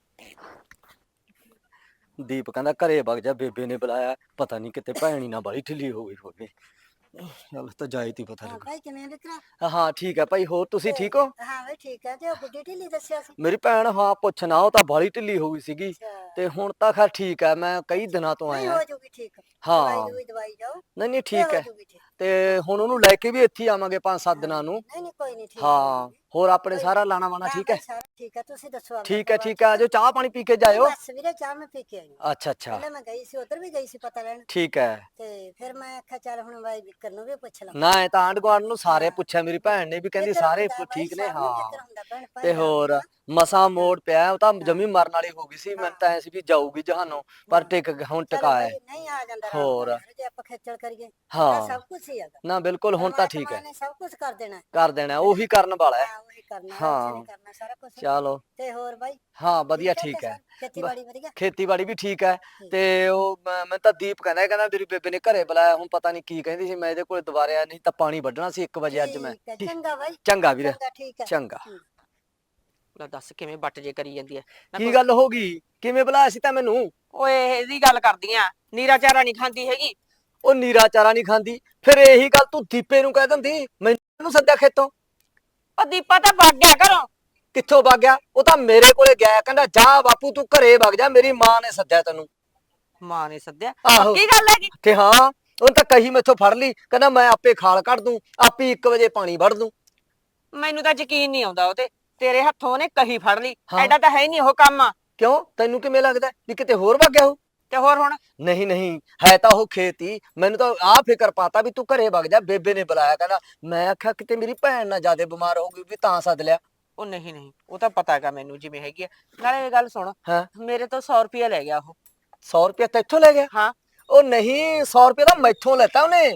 S5: ਦੀਪ ਕਹਿੰਦਾ ਘਰੇ ਵਗ ਜਾ, ਬੇਬੇ ਨੇ ਬੁਲਾਇਆ, ਪਤਾ ਨਹੀਂ ਕਿਤੇ ਭੈਣੀ ਨਾ ਬਾਲੀ ਢਿੱਲੀ ਹੋ ਗਈ ਹੋਵੇ। ਚੱਲ ਤਾਂ ਜਾਏ ਤੀ ਪਤਾ
S4: ਹਾਂ
S5: ਲੱਗਾ।
S4: ਭਾਈ ਕਿਵੇਂ ਵਿਕਰਾ
S5: ਹਾਂ ਠੀਕ ਹੈ ਭਾਈ, ਹੋਰ ਤੁਸੀਂ ਠੀਕ ਹੋ?
S4: ਹਾਂ ਬਈ ਠੀਕ ਹੈ। ਤੇ ਉਹ ਗੁੱਡੀ ਢਿੱਲੀ ਦੱਸਿਆ ਸੀ
S5: ਮੇਰੀ ਭੈਣ ਹਾਂ ਪੁੱਛਣਾ, ਉਹ ਤਾਂ ਬਾਲੀ ਢਿੱਲੀ ਹੋ ਗਈ ਸੀਗੀ
S4: ਅੱਛਾ
S5: ਤੇ ਹੁਣ ਤਾਂ ਖੈਰ ਠੀਕ ਹੈ, ਮੈਂ ਕਈ ਦਿਨਾਂ ਤੋਂ
S4: ਨਹੀਂ
S5: ਆਇਆ।
S4: ਹੋ ਜੂਗੀ ਠੀਕ
S5: ਹਾਂ।
S4: ਦਵਾਈ ਦਵਾਈ ਦਵਾਈ ਜਾਓ
S5: ਨਹੀਂ ਨਹੀਂ
S4: ਤੇ
S5: ਠੀਕ
S4: ਹੋ
S5: ਹੈ,
S4: ਜੂਗੀ ਠੀਕ।
S5: ਤੇ ਹੁਣ ਉਹਨੂੰ ਲੈ ਕੇ ਵੀ ਇੱਥੇ ਹੀ ਆਵਾਂਗੇ ਪੰਜ ਸੱਤ ਦਿਨਾਂ ਨੂੰ।
S4: ਨਹੀਂ ਨਹੀਂ ਕੋਈ ਨਹੀਂ ਠੀਕ
S5: ਹਾਂ ਹੋਰ ਆਪਣੇ ਸਾਰਾ ਲਾਣਾ ਵਾਣਾ
S4: ਹਾਂ
S5: ਠੀਕ ਹੈ?
S4: ਭਾਈ ਸਾਰਾ ਠੀਕ ਹੈ ਤੁਸੀਂ ਦੱਸੋ ਆਪਣਾ
S5: ਠੀਕ ਹੈ
S4: ਪਰਿਵਾਰ
S5: ਠੀਕ ਹੈ, ਆਜੋ ਚਾਹ ਪਾਣੀ ਪੀ ਕੇ ਜਾਇਓ।
S4: ਬਸ ਵੀਰੇ ਚਾਹ ਮੈਂ ਪੀ ਕੇ ਆਈ ਹਾਂ।
S5: ਅੱਛਾ ਅੱਛਾ
S4: ਪਹਿਲਾਂ ਮੈਂ ਗਈ ਸੀ ਉਧਰ ਵੀ ਗਈ ਸੀ ਪਤਾ ਲੈਣ
S5: ਠੀਕ ਹੈ।
S4: ਤੇ ਫਿਰ ਮੈਂ ਆਖਿਆ ਚੱਲ ਹੁਣ ਬਾਈ ਵਿਕਰ ਨੂੰ ਵੀ ਪੁੱਛ ਲਾਂ
S5: ਨਾ ਇਹ ਤਾਂ ਆਂਢ ਗੁਆਂਢ ਨੂੰ ਸਾਰੇ ਪੁੱਛਿਆ, ਮੇਰੀ ਭੈਣ ਨੇ ਵੀ ਕਹਿੰਦੀ
S4: ਫਿਕਰ
S5: ਸਾਰੇ
S4: ਹੁੰਦਾ ਬਾਈ,
S5: ਠੀਕ ਨੇ।
S4: ਸਭ ਨੂੰ
S5: ਹਾਂ
S4: ਫਿਕਰ ਹੁੰਦਾ ਭੈਣ ਭਾਈ
S5: ਤੇ
S4: ਦਾ
S5: ਹੋਰ
S4: ਹੁੰਦਾ।
S5: ਮਸਾ ਮੋੜ ਪਿਆ, ਉਹ ਤਾਂ ਜਮੀ ਮਰਨ ਵਾਲੀ ਹੋ ਗਈ ਸੀ। ਮੈਨੂੰ ਤਾਂ ਐ ਸੀ ਵੀ ਜਾਊਗੀ ਜਹਾਨੋਂ, ਪਰ ਟਿਕ ਗ- ਹੁਣ
S4: ਚਲੋ
S5: ਟਿਕਾਇਆ
S4: ਬਾਈ, ਨਹੀਂ ਆ ਜਾਂਦਾ ਰਾਮ
S5: ਹੋਰ।
S4: ਨਾਲ ਯਾਰ, ਜੇ ਆਪਾਂ ਖੇਚਲ ਕਰੀਏ ਤਾਂ
S5: ਹਾਂ
S4: ਸਭ ਕੁਝ ਹੀ ਹੈਗਾ
S5: ਨਾ ਬਿਲਕੁਲ ਹੁਣ ਤਾਂ ਠੀਕ
S4: ਪਰਮਾਤਮਾ
S5: ਹੈ,
S4: ਨੇ ਸਭ ਕੁਝ ਕਰ ਦੇਣਾ ਹੈ।
S5: ਕਰ ਦੇਣਾ ਉਹੀ ਕਰਨ ਵਾਲਾ ਹੈ।
S4: ਹਾਂ ਉਹੀ ਕਰਨਾ
S5: ਹਾਂ।
S4: ਰੱਬ ਨੇ ਕਰਨਾ ਸਾਰਾ ਕੁਝ
S5: ਚਲੋ
S4: ਤੇ ਹੋਰ ਬਾਈ
S5: ਹਾਂ ਵਧੀਆ
S4: ਠੀਕ
S5: ਠੀਕ ਹੈ,
S4: ਸਭ? ਖੇਤੀਬਾੜੀ ਵਧੀਆ
S5: ਖੇਤੀਬਾੜੀ ਵੀ ਠੀਕ ਹੈ।
S4: ਠੀਕ।
S5: ਤੇ ਉਹ ਮੈਂ ਮੈਂ ਤਾਂ ਦੀਪ ਕਹਿੰਦਾ ਕਹਿੰਦਾ ਮੇਰੀ ਬੇਬੇ ਨੇ ਘਰੇ ਬੁਲਾਇਆ, ਹੁਣ ਪਤਾ ਨਹੀਂ ਕੀ ਕਹਿੰਦੀ ਸੀ। ਮੈਂ ਇਹਦੇ ਕੋਲ ਦੁਬਾਰੇ ਆਇਆ, ਨਹੀਂ ਤਾਂ ਪਾਣੀ ਵੱਢਣਾ ਸੀ ਇੱਕ ਵਜੇ ਅੱਜ ਮੈਂ।
S4: ਠੀਕ ਹੈ, ਚੰਗਾ ਬਾਈ
S5: ਚੰਗਾ ਵੀਰੇ,
S4: ਚੰਗਾ ਠੀਕ ਹੈ
S5: ਚੰਗਾ।
S3: ਲੈ ਦੱਸ ਕਿਵੇਂ ਬੱਟ ਜੇ ਕਰੀ ਜਾਂਦੀ ਐ ਨਾ
S5: ਕੀ
S3: ਕੋਈ-
S5: ਗੱਲ ਹੋ ਗਈ? ਕਿਵੇਂ ਬੁਲਾਇਆ ਸੀ ਤਾਂ ਮੈਨੂੰ?
S3: ਓਏ ਇਹਦੀ ਗੱਲ ਕਰਦੀ ਆ ਨੀਰਾ ਚਾਰਾ ਨਹੀਂ ਖਾਂਦੀ ਹੈਗੀ
S5: ਉਹ ਨੀਰਾ ਚਾਰਾ ਨਹੀਂ ਖਾਂਦੀ, ਫਿਰ ਇਹੀ ਗੱਲ ਤੂੰ ਦੀਪੇ ਨੂੰ ਕਹਿ ਦਿੰਦੀ, ਮੈਨੂੰ ਸੱਦਿਆ ਖੇਤੋਂ।
S3: ਉਹ ਦੀਪਾ ਤਾਂ ਵਗ ਗਿਆ ਘਰੋਂ
S5: ਕਿੱਥੋਂ ਵਗ ਗਿਆ? ਉਹ ਤਾਂ ਮੇਰੇ ਕੋਲੇ ਗਿਆ, ਕਹਿੰਦਾ ਜਾ ਬਾਪੂ ਤੂੰ ਘਰੇ ਵਗ ਜਾ, ਮੇਰੀ ਮਾਂ ਨੇ ਸੱਦਿਆ ਤੈਨੂੰ।
S3: ਮਾਂ ਨੇ ਸੱਦਿਆ
S5: ਆਹੋ।
S3: ਕੀ ਗੱਲ ਹੈਗੀ
S5: ਤੇ ਹਾਂ ਉਹਨੇ ਤਾਂ ਕਹੀ ਮੈਥੋਂ ਫੜ ਲਈ, ਕਹਿੰਦਾ ਮੈਂ ਆਪੇ ਖਾਲ ਕੱਢ ਦੂੰ, ਆਪੇ ਇੱਕ ਵਜੇ ਪਾਣੀ ਵੜ ਦੂੰ।
S3: ਮੈਨੂੰ ਤਾਂ ਯਕੀਨ ਨਹੀਂ ਆਉਂਦਾ ਉਹਤੇ ਤੇਰੇ ਹੱਥੋਂ ਉਹਨੇ ਕਹੀ ਫੜ ਲਈ
S5: ਹਾਂ।
S3: ਐਡਾ ਤਾਂ ਹੈ ਨਹੀਂ ਉਹ ਕੰਮ
S5: ਕਿਉਂ ਤੈਨੂੰ ਕਿਵੇਂ ਲੱਗਦਾ ਵੀ ਕਿਤੇ ਹੋਰ ਵਗ ਗਿਆ ਉਹ?
S3: ਤੇ ਹੋਰ ਹੁਣ
S5: ਨਹੀਂ ਨਹੀਂ ਹੈ ਤਾਂ ਉਹ ਖੇਤੀ। ਮੈਨੂੰ ਤਾਂ ਆਹ ਫਿਕਰ ਪਾਤਾ ਵੀ ਤੂੰ ਘਰੇ ਵਗ ਜਾ, ਬੇਬੇ ਨੇ ਬੁਲਾਇਆ। ਕਹਿੰਦਾ ਮੈਂ ਆਖਿਆ ਕਿਤੇ ਮੇਰੀ ਭੈਣ ਨਾ ਜਿਆਦੇ ਬਿਮਾਰ ਹੋ ਗਈ ਵੀ ਤਾਂ ਸੱਦ ਲਿਆ।
S3: ਉਹ ਨਹੀਂ ਨਹੀਂ ਉਹ ਤਾਂ ਪਤਾ ਹੈਗਾ ਮੈਨੂੰ ਜਿਵੇਂ ਹੈਗੀ ਆ ਨਾਲੇ ਇਹ ਗੱਲ ਸੁਣ
S5: ਹਾਂ
S3: ਮੇਰੇ ਤੋਂ ਸੌ ਰੁਪਇਆ ਲੈ ਗਿਆ ਉਹ
S5: ਸੌ ਰੁਪਇਆ ਤੈਥੋਂ ਲੈ ਗਿਆ?
S3: ਹਾਂ
S5: ਉਹ ਨਹੀਂ ਸੌ ਰੁਪਇਆ ਤਾਂ ਮੈਥੋਂ ਲੈਤਾ ਉਹਨੇ।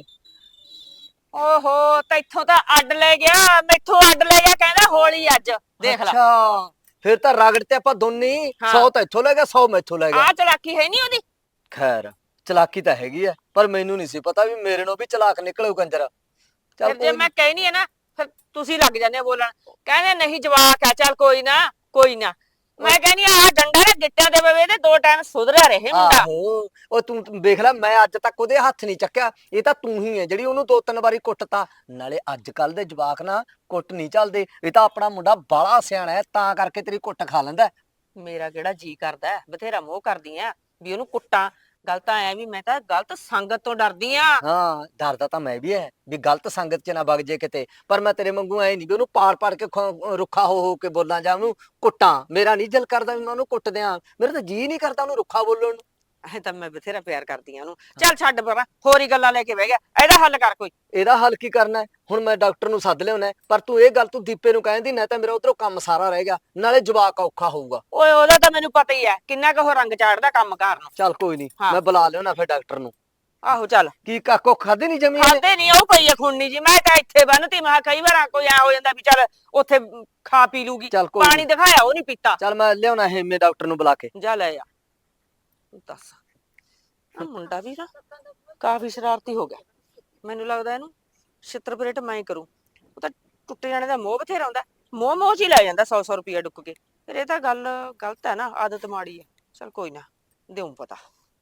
S3: ਓਹੋ ਤੈਥੋਂ ਤਾਂ ਅੱਡ ਲੈ ਗਿਆ ਮੈਥੋਂ ਅੱਡ ਲੈ ਗਿਆ ਕਹਿੰਦਾ ਹੋਲੀ ਅੱਜ ਦੇਖ ਲੈ
S5: ਅੱਛਾ ਫਿਰ ਤਾਂ ਰਗੜ ਤੇ ਆਪਾਂ ਦੋਨੇ ਹੀ,
S3: ਹਾਂ।
S5: ਸੌ ਤਾਂ ਇੱਥੋਂ ਲੈ ਗਿਆ, ਸੌ ਮੈਥੋਂ ਲੈ ਗਿਆ।
S3: ਆ ਚਲਾਕੀ ਹੈ ਨਹੀਂ ਉਹਦੀ
S5: ਖੈਰ ਚਲਾਕੀ ਤਾਂ ਹੈਗੀ ਆ, ਪਰ ਮੈਨੂੰ ਨਹੀਂ ਸੀ ਪਤਾ ਵੀ ਮੇਰੇ ਨੂੰ ਵੀ ਚਲਾਕ ਨਿਕਲੂ ਕੰਜਰ। ਚੱਲ
S3: ਫਿਰ ਜੇ
S5: ਕੋਈ
S3: ਮੈਂ ਕਹਿਨੀ ਆ ਨਾ ਫਿਰ ਤੁਸੀਂ ਲੱਗ ਜਾਂਦੇ ਹੋ ਬੋਲਣ ਕਹਿੰਦੇ ਨਹੀਂ ਜਵਾਕ ਆ ਚੱਲ ਕੋਈ ਨਾ ਕੋਈ ਨਾ ਮੈਂ ਕਹਿੰਦੀ ਆ ਡੰਡਾ ਨਾ ਗਿੱਟਿਆਂ ਦੇ ਪਵੇ ਤੇ ਦੋ ਟਾਈਮ ਸੁਧਰਿਆ ਰਹੇ ਮੁੰਡਾ
S5: ਆਹੋ ਉਹ ਤੂੰ ਤੂੰ ਦੇਖ ਲੈ, ਮੈਂ ਅੱਜ ਤੱਕ ਉਹਦੇ ਹੱਥ ਨਹੀਂ ਚੱਕਿਆ। ਇਹ ਤਾਂ ਤੂੰ ਹੀ ਹੈ ਜਿਹੜੀ ਉਹਨੂੰ ਦੋ ਤਿੰਨ ਵਾਰੀ ਕੁੱਟਤਾ। ਨਾਲੇ ਅੱਜ ਕੱਲ ਦੇ ਜਵਾਕ ਨਾ ਕੁੱਟ ਨਹੀਂ ਚੱਲਦੇ, ਇਹ ਤਾਂ ਆਪਣਾ ਮੁੰਡਾ ਬਾਲਾ ਸਿਆਣਾ ਹੈ ਤਾਂ ਕਰਕੇ ਤੇਰੀ ਕੁੱਟ ਖਾ ਲੈਂਦਾ।
S3: ਮੇਰਾ ਕਿਹੜਾ ਜੀ ਕਰਦਾ ਹੈ, ਬਥੇਰਾ ਮੋਹ ਕਰਦੀ ਆ ਵੀ ਉਹਨੂੰ ਕੁੱਟਾਂ ਗੱਲ ਤਾਂ ਐ ਵੀ ਮੈਂ ਤਾਂ ਗਲਤ ਸੰਗਤ ਤੋਂ ਡਰਦੀ ਆ
S5: ਹਾਂ ਡਰਦਾ ਤਾਂ ਮੈਂ ਵੀ ਹੈ ਵੀ ਗਲਤ ਸੰਗਤ ਚ ਨਾ ਵਗ ਜੇ ਕਿਤੇ, ਪਰ ਮੈਂ ਤੇਰੇ ਵਾਂਗੂ ਐ ਨਹੀਂ ਵੀ ਉਹਨੂੰ ਪਾੜ ਪਾੜ ਕੇ ਖੋ- ਰੁੱਖਾ ਹੋ ਹੋ ਕੇ ਬੋਲਾਂ ਜਾਂ ਉਹਨੂੰ ਕੁੱਟਾਂ। ਮੇਰਾ ਨਹੀਂ ਦਿਲ ਕਰਦਾ ਵੀ ਮੈਂ ਉਹਨੂੰ ਕੁੱਟ ਦਿਆਂ, ਮੇਰਾ ਤਾਂ ਜੀ ਨਹੀਂ ਕਰਦਾ ਉਹਨੂੰ ਰੁੱਖਾ ਬੋਲਣ ਨੂੰ।
S3: ਐ ਤਾਂ ਮੈਂ ਬਥੇਰਾ ਪਿਆਰ ਕਰਦੀ ਆ ਉਹਨੂੰ ਚੱਲ ਛੱਡ ਪਰਾਂ ਹੋਰ ਹੀ ਗੱਲਾਂ ਲੈ ਕੇ ਬਹਿ ਗਿਆ ਇਹਦਾ ਹੱਲ ਕਰ ਕੋਈ
S5: ਇਹਦਾ ਹੱਲ ਕੀ ਕਰਨਾ ਹੈ? ਹੁਣ ਮੈਂ ਡਾਕਟਰ ਨੂੰ ਸੱਦ ਲਿਆਉਣਾ ਹੈ, ਪਰ ਤੂੰ ਇਹ ਗੱਲ ਤੂੰ ਦੀਪੇ ਨੂੰ ਕਹਿੰਦੀ ਨਾ ਤਾਂ ਮੇਰਾ ਉਧਰੋਂ ਕੰਮ ਸਾਰਾ ਰਹਿ ਗਿਆ, ਨਾਲੇ ਜਵਾਕ ਔਖਾ ਹੋਊਗਾ।
S3: ਓਏ ਉਹਦਾ ਤਾਂ ਮੈਨੂੰ ਪਤਾ ਹੀ ਹੈ ਕਿੰਨਾ ਕੁ ਉਹ ਰੰਗ ਚਾੜਦਾ ਕੰਮ ਕਾਰ ਨੂੰ
S5: ਚੱਲ ਕੋਈ ਨਹੀਂ,
S3: ਹਾਂ।
S5: ਮੈਂ ਬੁਲਾ ਲਿਆਉਣਾ ਫਿਰ ਡਾਕਟਰ ਨੂੰ।
S3: ਆਹੋ ਚੱਲ
S5: ਕੀ ਕਾਕੋ ਖਾਦੇ ਨਹੀਂ ਜਮੀ ਇਹਨੇ?
S3: ਖਾਦੇ ਨਹੀਂ ਉਹ ਪਈ ਆ ਖੁੰਨੀ ਜੀ ਮੈਂ ਤਾਂ ਇੱਥੇ ਬੰਨਤੀ ਮੈਂ ਕਿਹਾ ਕਈ ਵਾਰ ਕੋਈ ਐ ਹੋ ਜਾਂਦਾ ਵੀ ਚੱਲ ਉੱਥੇ ਖਾ ਪੀ ਲੂਗੀ
S5: ਚੱਲ ਕੋਈ
S3: ਪਾਣੀ
S5: ਨੀ।
S3: ਦਿਖਾਇਆ ਉਹ ਨਹੀਂ ਪੀਤਾ
S5: ਚੱਲ ਮੈਂ ਲਿਆਉਣਾ ਹੈ ਮੇ ਡਾਕਟਰ ਨੂੰ ਬੁਲਾ ਕੇ।
S3: ਜਾ ਲੈ ਆ ਦੱਸ ਆ ਮੁੰਡਾ ਵੀ ਨਾ ਕਾਫੀ ਸ਼ਰਾਰਤੀ ਹੋ ਗਿਆ ਮੈਨੂੰ ਲੱਗਦਾ ਇਹਨੂੰ ਛਿੱਤਰ ਪਰੇਟ ਮੈਂ ਹੀ ਕਰੂੰ। ਉਹ ਤਾਂ ਟੁੱਟੇ ਜਾਣੇ ਦਾ ਮੋਹ ਬਥੇਰਾ ਹੁੰਦਾ ਮੋਹ ਮੋਹ ਚ ਹੀ ਲੈ ਜਾਂਦਾ ਸੌ ਸੌ ਰੁਪਇਆ ਡੁੱਕ ਕੇ ਫਿਰ ਇਹ ਤਾਂ ਗੱਲ ਗਲਤ ਹੈ ਨਾ ਆਦਤ ਮਾੜੀ ਹੈ ਚੱਲ ਕੋਈ ਨਾ ਦਿਉਂ ਪਤਾ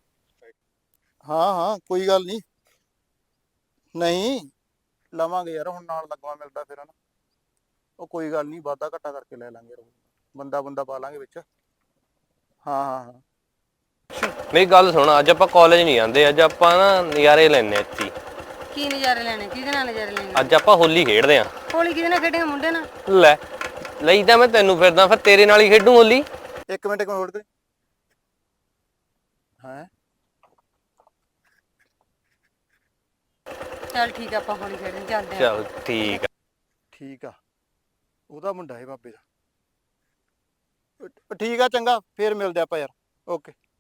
S6: ਹਾਂ ਹਾਂ ਕੋਈ ਗੱਲ ਨਹੀਂ ਨਹੀਂ ਲਵਾਂਗੇ ਯਾਰ, ਹੁਣ ਨਾਲ ਲੱਗਵਾ ਮਿਲਦਾ ਫਿਰ ਹਨਾ। ਉਹ ਕੋਈ ਗੱਲ ਨਹੀਂ, ਵਾਧਾ ਘੱਟਾ ਕਰਕੇ ਲੈ ਲਾਂਗੇ ਯਾਰ, ਬੰਦਾ ਬੰਦਾ ਪਾ ਲਾਂਗੇ ਵਿੱਚ। ਹਾਂ ਹਾਂ ਹਾਂ
S1: ਮੇਰੀ ਗੱਲ ਸੁਣ, ਅੱਜ ਆਪਾਂ ਕਾਲਜ ਨਹੀਂ ਜਾਂਦੇ, ਅੱਜ ਆਪਾਂ ਨਾ ਨਜ਼ਾਰੇ ਲੈਣੇ ਇੱਥੇ।
S7: ਕੀ ਨਜ਼ਾਰੇ ਲੈਣੇ? ਕਿਹਦੇ ਨਾਲ ਨਜ਼ਾਰੇ ਲੈਣੇ?
S1: ਅੱਜ ਆਪਾਂ ਹੋਲੀ ਖੇਡਦੇ ਆਂ।
S7: ਹੋਲੀ ਕਿਹਦੇ ਨਾਲ ਖੇਡੇਗਾ? ਮੁੰਡੇ ਨਾਲ?
S1: ਲੈ ਲਈ ਤਾਂ ਮੈਂ ਤੈਨੂੰ ਫਿਰਦਾ, ਫਿਰ ਤੇਰੇ ਨਾਲ ਹੀ ਖੇਡੂ ਹੋਲੀ।
S6: ਇੱਕ ਮਿੰਟ ਇੱਕ ਮਿੰਟ ਹੋਲਡ ਕਰੀ। ਹਾਂ
S7: ਚੱਲ ਠੀਕ ਆ ਆਪਾਂ ਹੋਲੀ ਖੇਡਣ ਚੱਲਦੇ ਆ।
S1: ਚਲ ਠੀਕ ਆ।
S6: ਠੀਕ ਆ, ਉਹਦਾ ਮੁੰਡਾ ਹੈ ਬਾਬੇ ਦਾ। ਅ- ਠੀਕ ਆ ਚੰਗਾ, ਫੇਰ ਮਿਲਦੇ ਆਪਾਂ ਯਾਰ। ਓਕੇ।